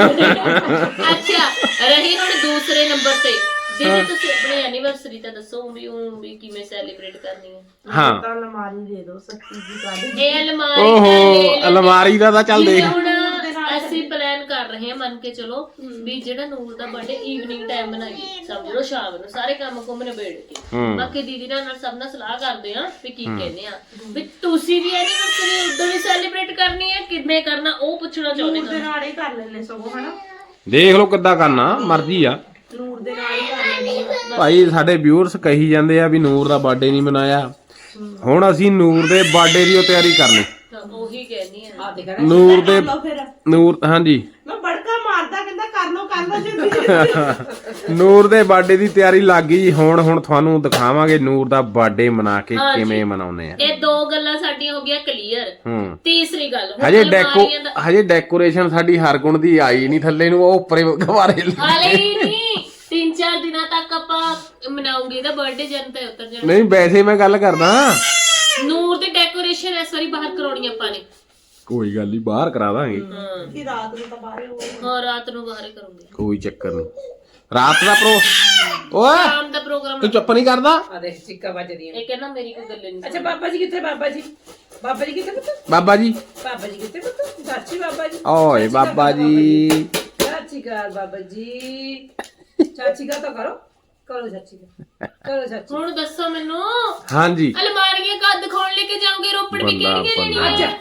A: ਅੱਛਾ ਰਹੀ ਹੁਣ ਦੂਸਰੇ ਨੰਬਰ ਤੇ ਦੀਦੀ ਤੁਸੀਂ ਆਪਣੀ ਐਨੀਵਰਸਰੀ ਤਾਂ ਦੱਸੋ ਵੀ ਉਹ ਵੀ ਕਿਵੇਂ ਸੈਲੀਬ੍ਰੇਟ ਕਰਨੀ ਹੈ
B: ਹਾਂ
E: ਤਾਂ ਲਮਾਰੀ ਦੇ ਦੋ ਸੱਚੀ ਜੀ ਗੱਲ
A: ਇਹ ਅਲਮਾਰੀ
B: ਓਹੋ
A: ਦਾ ਲੈ ਲੈਂਦੇ।
B: ਅਲਮਾਰੀ ਦਾ ਤਾਂ ਚੱਲ
A: ਜਿਵੇਂ
B: ਦੇਖ
A: ਹੁਣ ਅਸੀਂ ਪਲਾਨ ਕਰ ਰਹੇ ਹਾਂ ਮੰਨ ਕੇ ਚਲੋ ਵੀ ਜਿਹੜਾ ਨੂਰ ਦਾ ਬਰਥਡੇ ਈਵਨਿੰਗ ਟਾਈਮ ਬਣਾਈਏ ਸਮਝ ਲਓ ਸ਼ਾਮ ਨੂੰ ਸਾਰੇ ਕੰਮ ਕੁੰਮ ਨਿਬੇੜ ਕੇ
B: ਹੂੰ।
A: ਬਾਕੀ ਦੀਦੀ ਨਾਲ ਨਾਲ ਸਭ ਨਾਲ ਸਲਾਹ ਕਰਦੇ ਆ ਵੀ ਕੀ ਕਹਿੰਦੇ ਆ ਵੀ ਤੁਸੀਂ ਵੀ ਐਨੀਵਰਸਰੀ ਉਦੋਂ ਹੀ ਸੈਲੀਬ੍ਰੇਟ ਕਰਨੀ ਹੈ ਕਿਵੇਂ ਕਰਨਾ ਉਹ ਪੁੱਛਣਾ ਚਾਹੁੰਦੇ
E: ਨੂਰ ਦੇ
A: ਹਾਂ
E: ਨਾਲ ਹੀ ਕਰ ਲੈਣੇ ਸਗੋਂ ਹਨਾ
B: ਦੇਖ ਲਓ ਕਿੱਦਾਂ ਕਰਨਾ ਮਰਜ਼ੀ ਆ
E: ਨੂਰ ਦੇ ਨਾਲ ਹੀ ਕਰ ਲੈਣੇ
B: ਭਾਈ ਸਾਡੇ ਵਿਊਅਰਸ ਕਹੀ ਜਾਂਦੇ ਆ ਵੀ ਨੂਰ ਦਾ ਬਰਥਡੇ ਨਹੀਂ ਮਨਾਇਆ ਹੁਣ ਅਸੀਂ ਨੂਰ ਦੇ ਬਰਥਡੇ ਦੀ ਉਹ ਤਿਆਰੀ ਕਰਨੀ
A: ਤਾਂ ਉਹੀ ਕਹਿੰਦੀ ਆ
C: ਆ ਦੇਖ
B: ਨੂਰ ਦੇ
E: ਲਓ ਫਿਰ
B: ਨੂਰ ਹਾਂਜੀ
E: ਮੈਂ ਬੜਕਾ ਮਾਰਦਾ ਕਹਿੰਦਾ ਕਰ ਲਓ ਕਰ ਲਓ ਜਿੰਦਗੀ
B: ਨੂਰ ਦੇ ਬਰਥਡੇ ਦੀ ਤਿਆਰੀ ਲੱਗ ਗਈ ਹੁਣ ਹੁਣ ਤੁਹਾਨੂੰ ਦਿਖਾਵਾਂਗੇ ਨੂਰ ਦਾ ਬਰਥਡੇ ਮਨਾ ਕੇ
A: ਹਾਂਜੀ।
B: ਕਿਵੇਂ ਮਨਾਉਂਦੇ ਆ
A: ਇਹ ਦੋ ਗੱਲਾਂ ਸਾਡੀਆਂ ਹੋ ਗਈਆਂ ਕਲੀਅਰ
B: ਹੂੰ
A: ਤੀਸਰੀ ਗੱਲ ਹੁਣ
B: ਹਜੇ ਡੈਕੋ
A: ਅਲਮਾਰੀਆਂ ਦਾ
B: ਹਜੇ ਡੈਕੋਰੇਸ਼ਨ ਸਾਡੀ ਹਰਗੁਣ ਦੀ ਆਈ ਨਹੀਂ ਥੱਲੇ ਨੂੰ ਉਹ ਉੱਪਰੇ ਗਵਾਰੇ
A: ਹਾਲੇ ਹੀ ਨਹੀਂ ਤਿੰਨ ਚਾਰ ਦਿਨਾਂ ਤੱਕ ਆਪਾਂ ਮਨਾਉਂਗੇ ਇਹਦਾ ਬਰਥਡੇ ਜਨ ਤੇ ਉਤਰ ਜਾਣਾ
B: ਨਹੀਂ ਵੈਸੇ ਮੈਂ ਗੱਲ ਕਰਦਾ
A: ਨੂਰ ਦੀ ਡੈਕੋਰੇਸ਼ਨ ਇਸ ਵਾਰੀ ਬਾਹਰ ਕਰਾਉਣੀ ਆਪਾਂ ਨੇ
B: ਕੋਈ ਗੱਲ ਨਹੀਂ ਬਾਹਰ ਕਰਾ ਦਾਂਗੇ
A: ਹਾਂ
E: ਕਿ ਰਾਤ ਨੂੰ ਤਾਂ ਬਾਹਰ ਹੋ
A: ਹਾਂ ਰਾਤ ਨੂੰ ਬਾਹਰ ਹੀ ਕਰੂੰਗੇ
B: ਕੋਈ ਚੱਕਰ ਨਹੀਂ ਰਾਤ ਦਾ ਪ੍ਰੋ ਓਏ
A: ਸ਼ਾਮ ਦਾ ਪ੍ਰੋਗਰਾਮ
B: ਤੂੰ ਚੁੱਪ ਨਹੀਂ ਕਰਦਾ
C: ਆ ਦੇਖ ਚਿੱਕਾ ਵੱਜਦੀਆਂ
A: ਇਹ ਕਹਿੰਦਾ ਮੇਰੀ ਕੋਈ ਗੱਲ ਨਹੀਂ
C: ਅੱਛਾ ਬਾਬਾ ਜੀ ਕਿੱਥੇ ਬਾਬਾ ਜੀ ਬਾਬਾ ਜੀ ਕਿੱਥੇ ਪੁੱਤ
B: ਬਾਬਾ ਜੀ
C: ਬਾਬਾ ਜੀ ਕਿੱਥੇ ਪੁੱਤ ਚਾਚੀ ਬਾਬਾ ਜੀ
B: ਓਏ ਬਾਬਾ ਜੀ
C: ਚਾਚੀ ਘਰ ਬਾਬਾ ਜੀ ਚਾਚੀ ਘਰ ਤਾਂ ਕਰੋ ਕਰੋ ਚਾਚੀ ਘਰ ਕਰੋ ਚਾਚੀ
A: ਹੁਣ ਦੱਸੋ ਮੈਨੂੰ
B: ਹਾਂਜੀ
A: ਅਲਮਾਰੀਆਂ ਕਦ ਦਿਖਾਉਣ ਲੈ ਕੇ ਜਾਓਗੇ ਰੋਪੜ ਵੀ
B: ਬੰਦਾ
A: ਕਿਹੜੀ
B: ਬੰਦਾ।
A: ਲੈਣੀ
C: ਅੱਜ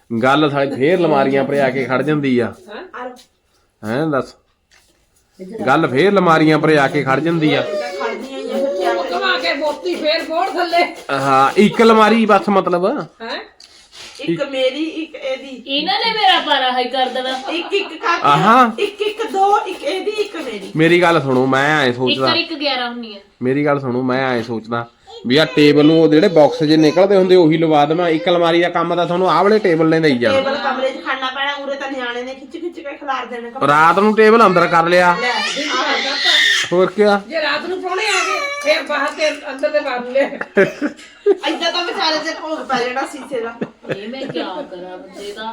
B: ਗੱਲ ਸਾਡੀ ਫੇਰ ਲਮਾਰੀਆਂ ਪਰ ਆ ਕੇ ਖੜ ਜਾਂਦੀ ਆ
E: ਆ ਲਓ
B: ਹੈਂ ਦੱਸ ਗੱਲ ਫੇਰ ਲਮਾਰੀਆਂ ਪਰ ਆ ਕੇ ਖੜ ਜਾਂਦੀ ਆ
E: ਖੜਦੀਆਂ ਹੀ ਆ ਫਿਰ ਕਿਆ ਕਰਾਂ।
C: ਕਮਾ ਕੇ ਬੋਤੀ ਫੇਰ ਬੋੜ ਥੱਲੇ
B: ਹਾਂ ਇੱਕ ਲਮਾਰੀ ਬਸ ਮਤਲਬ
C: ਹੈ
E: ਇੱਕ ਮੇਰੀ ਇੱਕ ਇਹਦੀ
A: ਇਹਨਾਂ ਨੇ ਮੇਰਾ ਪਾਰਾ ਹਾਈ ਕਰ ਦੇਣਾ।
E: ਇੱਕ ਇੱਕ ਕਰਕੇ
B: ਆਹਾਂ।
E: ਇੱਕ ਇੱਕ ਦੋ ਇੱਕ ਇਹਦੀ ਇੱਕ ਮੇਰੀ
B: ਮੇਰੀ ਗੱਲ ਸੁਣੋ ਮੈਂ ਐ
A: ਇੱਕ
B: ਸੋਚਦਾ
A: ਕਰ ਇੱਕ ਗਿਆਰਾਂ ਹੁੰਨੀ ਆ।
B: ਮੇਰੀ ਗੱਲ ਸੁਣੋ ਮੈਂ ਐ ਸੋਚਦਾ ਵੀ ਆ ਟੇਬਲ ਨੂੰ ਉਹ ਜਿਹੜੇ ਬਾਕਸ ਜੇ ਨਿਕਲਦੇ ਹੁੰਦੇ ਉਹੀ ਲਵਾ ਦੇਵਾਂ ਇੱਕ ਅਲਮਾਰੀ ਦਾ ਕੰਮ ਤਾਂ ਤੁਹਾਨੂੰ ਆਹ ਵਾਲੇ ਟੇਬਲ ਨੇ ਦੇਈ ਜਾਣਾ
E: ਟੇਬਲ ਕਮਰੇ 'ਚ ਖੜਨਾ ਪੈਣਾ ਉਰੇ ਤਾਂ ਨਿਆਣੇ ਨੇ ਖਿੱਚ ਖਿੱਚ ਕੇ ਖਿਲਾਰ ਦੇਣੇ ਕੱਪੜੇ।
B: ਰਾਤ ਨੂੰ ਟੇਬਲ ਅੰਦਰ ਕਰ ਲਿਆ
E: ਲੈ
B: ਹੋਰ ਕਿਆ
C: ਜੇ ਰਾਤ ਨੂੰ ਪ੍ਰਾਹੁਣੇ ਆ ਗਏ ਫੇਰ ਬਾਹਰ ਤੇ ਅੰਦਰ ਦੇ ਬਾਹਰ ਲੈ
E: ਏਦਾਂ ਤਾਂ ਵਿਚਾਰੇ ਤੇ ਭੋਗ ਪੈ ਜਾਣਾ ਸੀਸੇ ਦਾ।
A: ਇਹ ਮੈਂ ਕੀ ਕਰਾਂ ਬੱਚੇ ਦਾ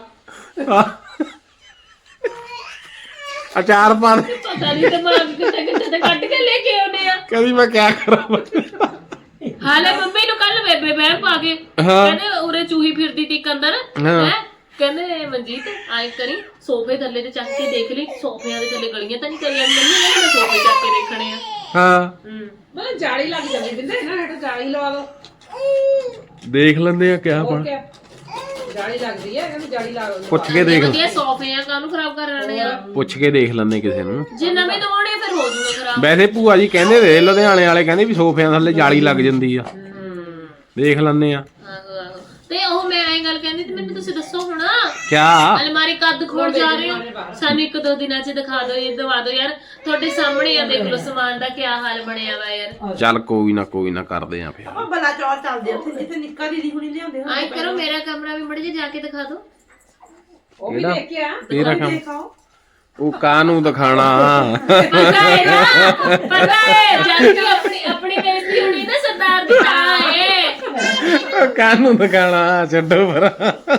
B: ਅਚਾਰ ਪਾ ਦੇ
A: ਪਤਾ ਨਹੀਂ ਦਿਮਾਗ ਕਿੱਥੇ ਕਿੱਥੇ ਤੇ ਕੱਢ ਕੇ ਲੈ ਕੇ ਆਉਨੇ ਆ।
B: ਕਦੀ ਮੈਂ ਕਿਆ ਕਰਾਂ
A: ਹਾਲੇ ਮੰਮੀ ਨੂੰ ਕੱਲ ਬੇਬੇ ਬਹਿ ਪਾ ਕੇ
B: ਹਾਂ।
A: ਕਹਿੰਦੇ ਉਰੇ ਚੂਹੀ ਫਿਰਦੀ ਤੀ ਇੱਕ ਅੰਦਰ
B: ਹਾਂ।
A: ਹੈ ਕਹਿੰਦੇ ਮਨਜੀਤ ਆਏ ਕਰੀ ਸੋਫੇ ਥੱਲੇ ਤੇ ਚੱਕ ਕੇ ਦੇਖ ਲਈ ਸੋਫਿਆਂ ਦੇ ਥੱਲੇ ਗਲੀਆਂ ਤਾਂ ਨਹੀਂ ਕਰੀਆਂ ਮੰਮੀ ਨੇ ਮੈਂ ਸੋਫੇ ਚੱਕ ਕੇ ਦੇਖਣੇ ਆ।
B: ਹਾਂ
A: ਹੂੰ
C: ਮਤਲਬ ਜਾਲੀ ਲੱਗ ਜਾਂਦੀ ਬਿੰਦੇ ਇਹਨਾਂ ਹੇਠ ਜਾਲੀ ਲਵਾ ਦੋ
B: ਦੇਖ ਲੈਂਦੇ ਆ ਕਿਆ
C: ਹੋਰ
B: ਬਣ
C: ਕਿਆ ਜਾਲੀ ਲੱਗਦੀ ਹੈ ਇਹਨਾਂ ਨੂੰ ਜਾਲੀ ਲਾ ਦੋ
B: ਪੁੱਛ ਕੇ ਦੇਖ
A: ਵਧੀਆ ਸੋਫੇ ਆ ਕਾਹਨੂੰ ਖਰਾਬ ਕਰ ਰਹੇ ਆ।
B: ਪੁੱਛ ਕੇ ਦੇਖ ਲੈਂਦੇ ਕਿਸੇ ਨੂੰ
A: ਜੇ ਨਵੇਂ ਦਵਾਉਣੇ ਫਿਰ ਹੋ ਜੂਗਾ ਖਰਾਬ।
B: ਵੈਸੇ ਭੂਆ ਜੀ ਕਹਿੰਦੇ ਦੇ ਲੁਧਿਆਣੇ ਵਾਲੇ ਕਹਿੰਦੇ ਵੀ ਸੋਫਿਆਂ ਥੱਲੇ ਜਾਲੀ ਲੱਗ ਜਾਂਦੀ ਆ
A: ਹੂੰ
B: ਦੇਖ ਲੈਂਦੇ ਆ
A: ਆਹੋ ਆਹੋ ਤੇ ਉਹ ਮੈਂ ਐਂ ਗੱਲ ਕਹਿੰਦੀ ਤੇ ਮੈਨੂੰ ਤੁਸੀਂ ਦੱਸੋ ਹੁਣ
B: ਕਿਆ
A: ਅਲਮਾਰੀ ਕੱਦ ਖੋਲ ਜਾ ਰਹੇ ਹੋ ਸਾਨੂੰ ਇੱਕ ਦੋ ਦਿਨਾਂ ਚ ਦਿਖਾ ਦਿਓ ਇਹ ਦਵਾ ਦਿਓ ਯਾਰ ਤੁਹਾਡੇ ਸਾਹਮਣੇ ਆ ਦੇਖ ਲਓ ਸਮਾਨ ਦਾ ਕੀ ਹਾਲ ਬਣਿਆ ਵਾ ਯਾਰ।
B: ਚੱਲ ਕੋਈ ਨਾ ਕੋਈ ਨਾ ਕਰਦੇ ਆ ਫਿਰ
E: ਆਪਾਂ ਬਲਾ ਚੌਰ ਚੱਲਦੇ ਉੱਥੇ ਜਿੱਥੇ ਨਿੱਕਾ ਦੀਦੀ ਹੁਣੀ ਲਿਆਉਂਦੇ ਹੁੰਦੇ
A: ਆਏ ਕਰੋ ਮੇਰਾ ਕਮਰਾ ਵੀ ਮੜ ਜੇ ਜਾ ਕੇ ਦਿਖਾ ਦਿਓ।
C: ਉਹ ਵੀ
B: ਇਹਦਾ
C: ਦੇਖ ਕੇ ਆ
B: ਤੇਰਾ ਕੰਮ
E: ਦੇਖਾਓ
B: ਉਹ ਕਾਹਨੂੰ ਦਿਖਾਣਾ
A: ਪਤਾ ਹੈ ਨਾ ਪਤਾ ਹੈ ਜਦ ਕਿ ਆਪਣੀ ਆਪਣੀ ਬੇਇੱਜ਼ਤੀ ਹੋਣੀ ਨਾ ਸਰਦਾਰ ਦੀ ਤਾਂ ਹੈ।
B: ਉਹ ਕਾਹਨੂੰ ਦਿਖਾਣਾ ਛੱਡੋ ਪਰ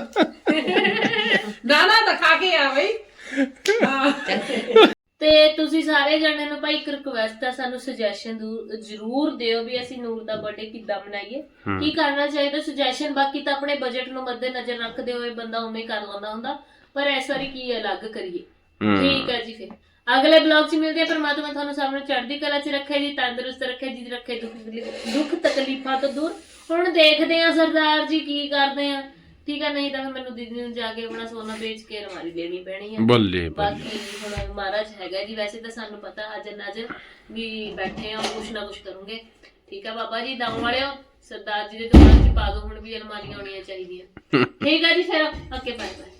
C: ਨਾ ਨਾ ਦਿਖਾ ਕੇ ਆ ਬਈ ਹਾਂ
A: ਤੇ ਤੁਸੀਂ ਸਾਰੇ ਜਣੇ ਨੂੰ ਭਾਈ ਇੱਕ ਰਿਕੁਐਸਟ ਆ ਸਾਨੂੰ ਸੁਜੈਸ਼ਨ ਜ਼ਰੂਰ ਦਿਓ ਵੀ ਅਸੀਂ ਨੂਰ ਦਾ ਬਰਥਡੇ ਕਿੱਦਾਂ ਮਨਾਈਏ ਕੀ ਕਰਨਾ ਚਾਹੀਦਾ ਸੁਜੈਸ਼ਨ। ਬਾਕੀ ਤਾਂ ਆਪਣੇ ਬਜਟ ਨੂੰ ਮੱਦੇ ਨਜ਼ਰ ਰੱਖਦੇ ਹੋਏ ਬੰਦਾ ਉਵੇਂ ਕਰ ਲੈਂਦਾ ਹੁੰਦਾ ਪਰ ਇਸ ਵਾਰੀ ਕੀ ਅਲੱਗ ਕਰੀਏ। ਠੀਕ ਹੈ ਜੀ ਫਿਰ ਅਗਲੇ ਬਲੌਗ 'ਚ ਮਿਲਦੇ ਆ। ਪਰਮਾਤਮਾ ਤੁਹਾਨੂੰ ਸਭ ਨੂੰ ਚੜ੍ਹਦੀ ਕਲਾ 'ਚ ਰੱਖੇ ਜੀ ਤੰਦਰੁਸਤ ਰੱਖੇ ਜੀ ਰੱਖੇ ਦੁੱਖ ਦੁੱਖ ਤਕਲੀਫਾਂ ਤੋਂ ਦੂਰ। ਹੁਣ ਦੇਖਦੇ ਆ ਸਰਦਾਰ ਜੀ ਕੀ ਕਰਦੇ ਆ ਠੀਕ ਆ ਨਹੀਂ ਤਾਂ ਫਿਰ ਮੈਨੂੰ ਦੀਦੀ ਨੂੰ ਜਾ ਕੇ ਆਪਣਾ ਸੋਨਾ ਵੇਚ ਕੇ ਅਲਮਾਰੀ ਲੈਣੀ ਪੈਣੀ ਆ।
B: ਬੱਲੇ
A: ਬਾਕੀ ਹੁਣ ਮਹਾਰਾਜ ਹੈਗਾ ਜੀ ਵੈਸੇ ਤਾਂ ਸਾਨੂੰ ਪਤਾ ਅਜਰ ਨਜ਼ਰ ਵੀ ਬੈਠੇ ਆ ਕੁਛ ਨਾ ਕੁਛ ਕਰੂੰਗੇ। ਠੀਕ ਆ ਬਾਬਾ ਜੀ ਦਮ ਵਾਲਿਓ ਸਰਦਾਰ ਜੀ ਦੇ ਦੁਕਾਨ 'ਚ ਪਾ ਦੋ ਹੁਣ ਵੀ ਅਲਮਾਰੀਆਂ ਹੋਣੀਆਂ ਚਾਹੀਦੀਆਂ। ਠੀਕ ਆ ਜੀ ਫਿਰ ਓਕੇ ਬਾਏ ਬਾਏ।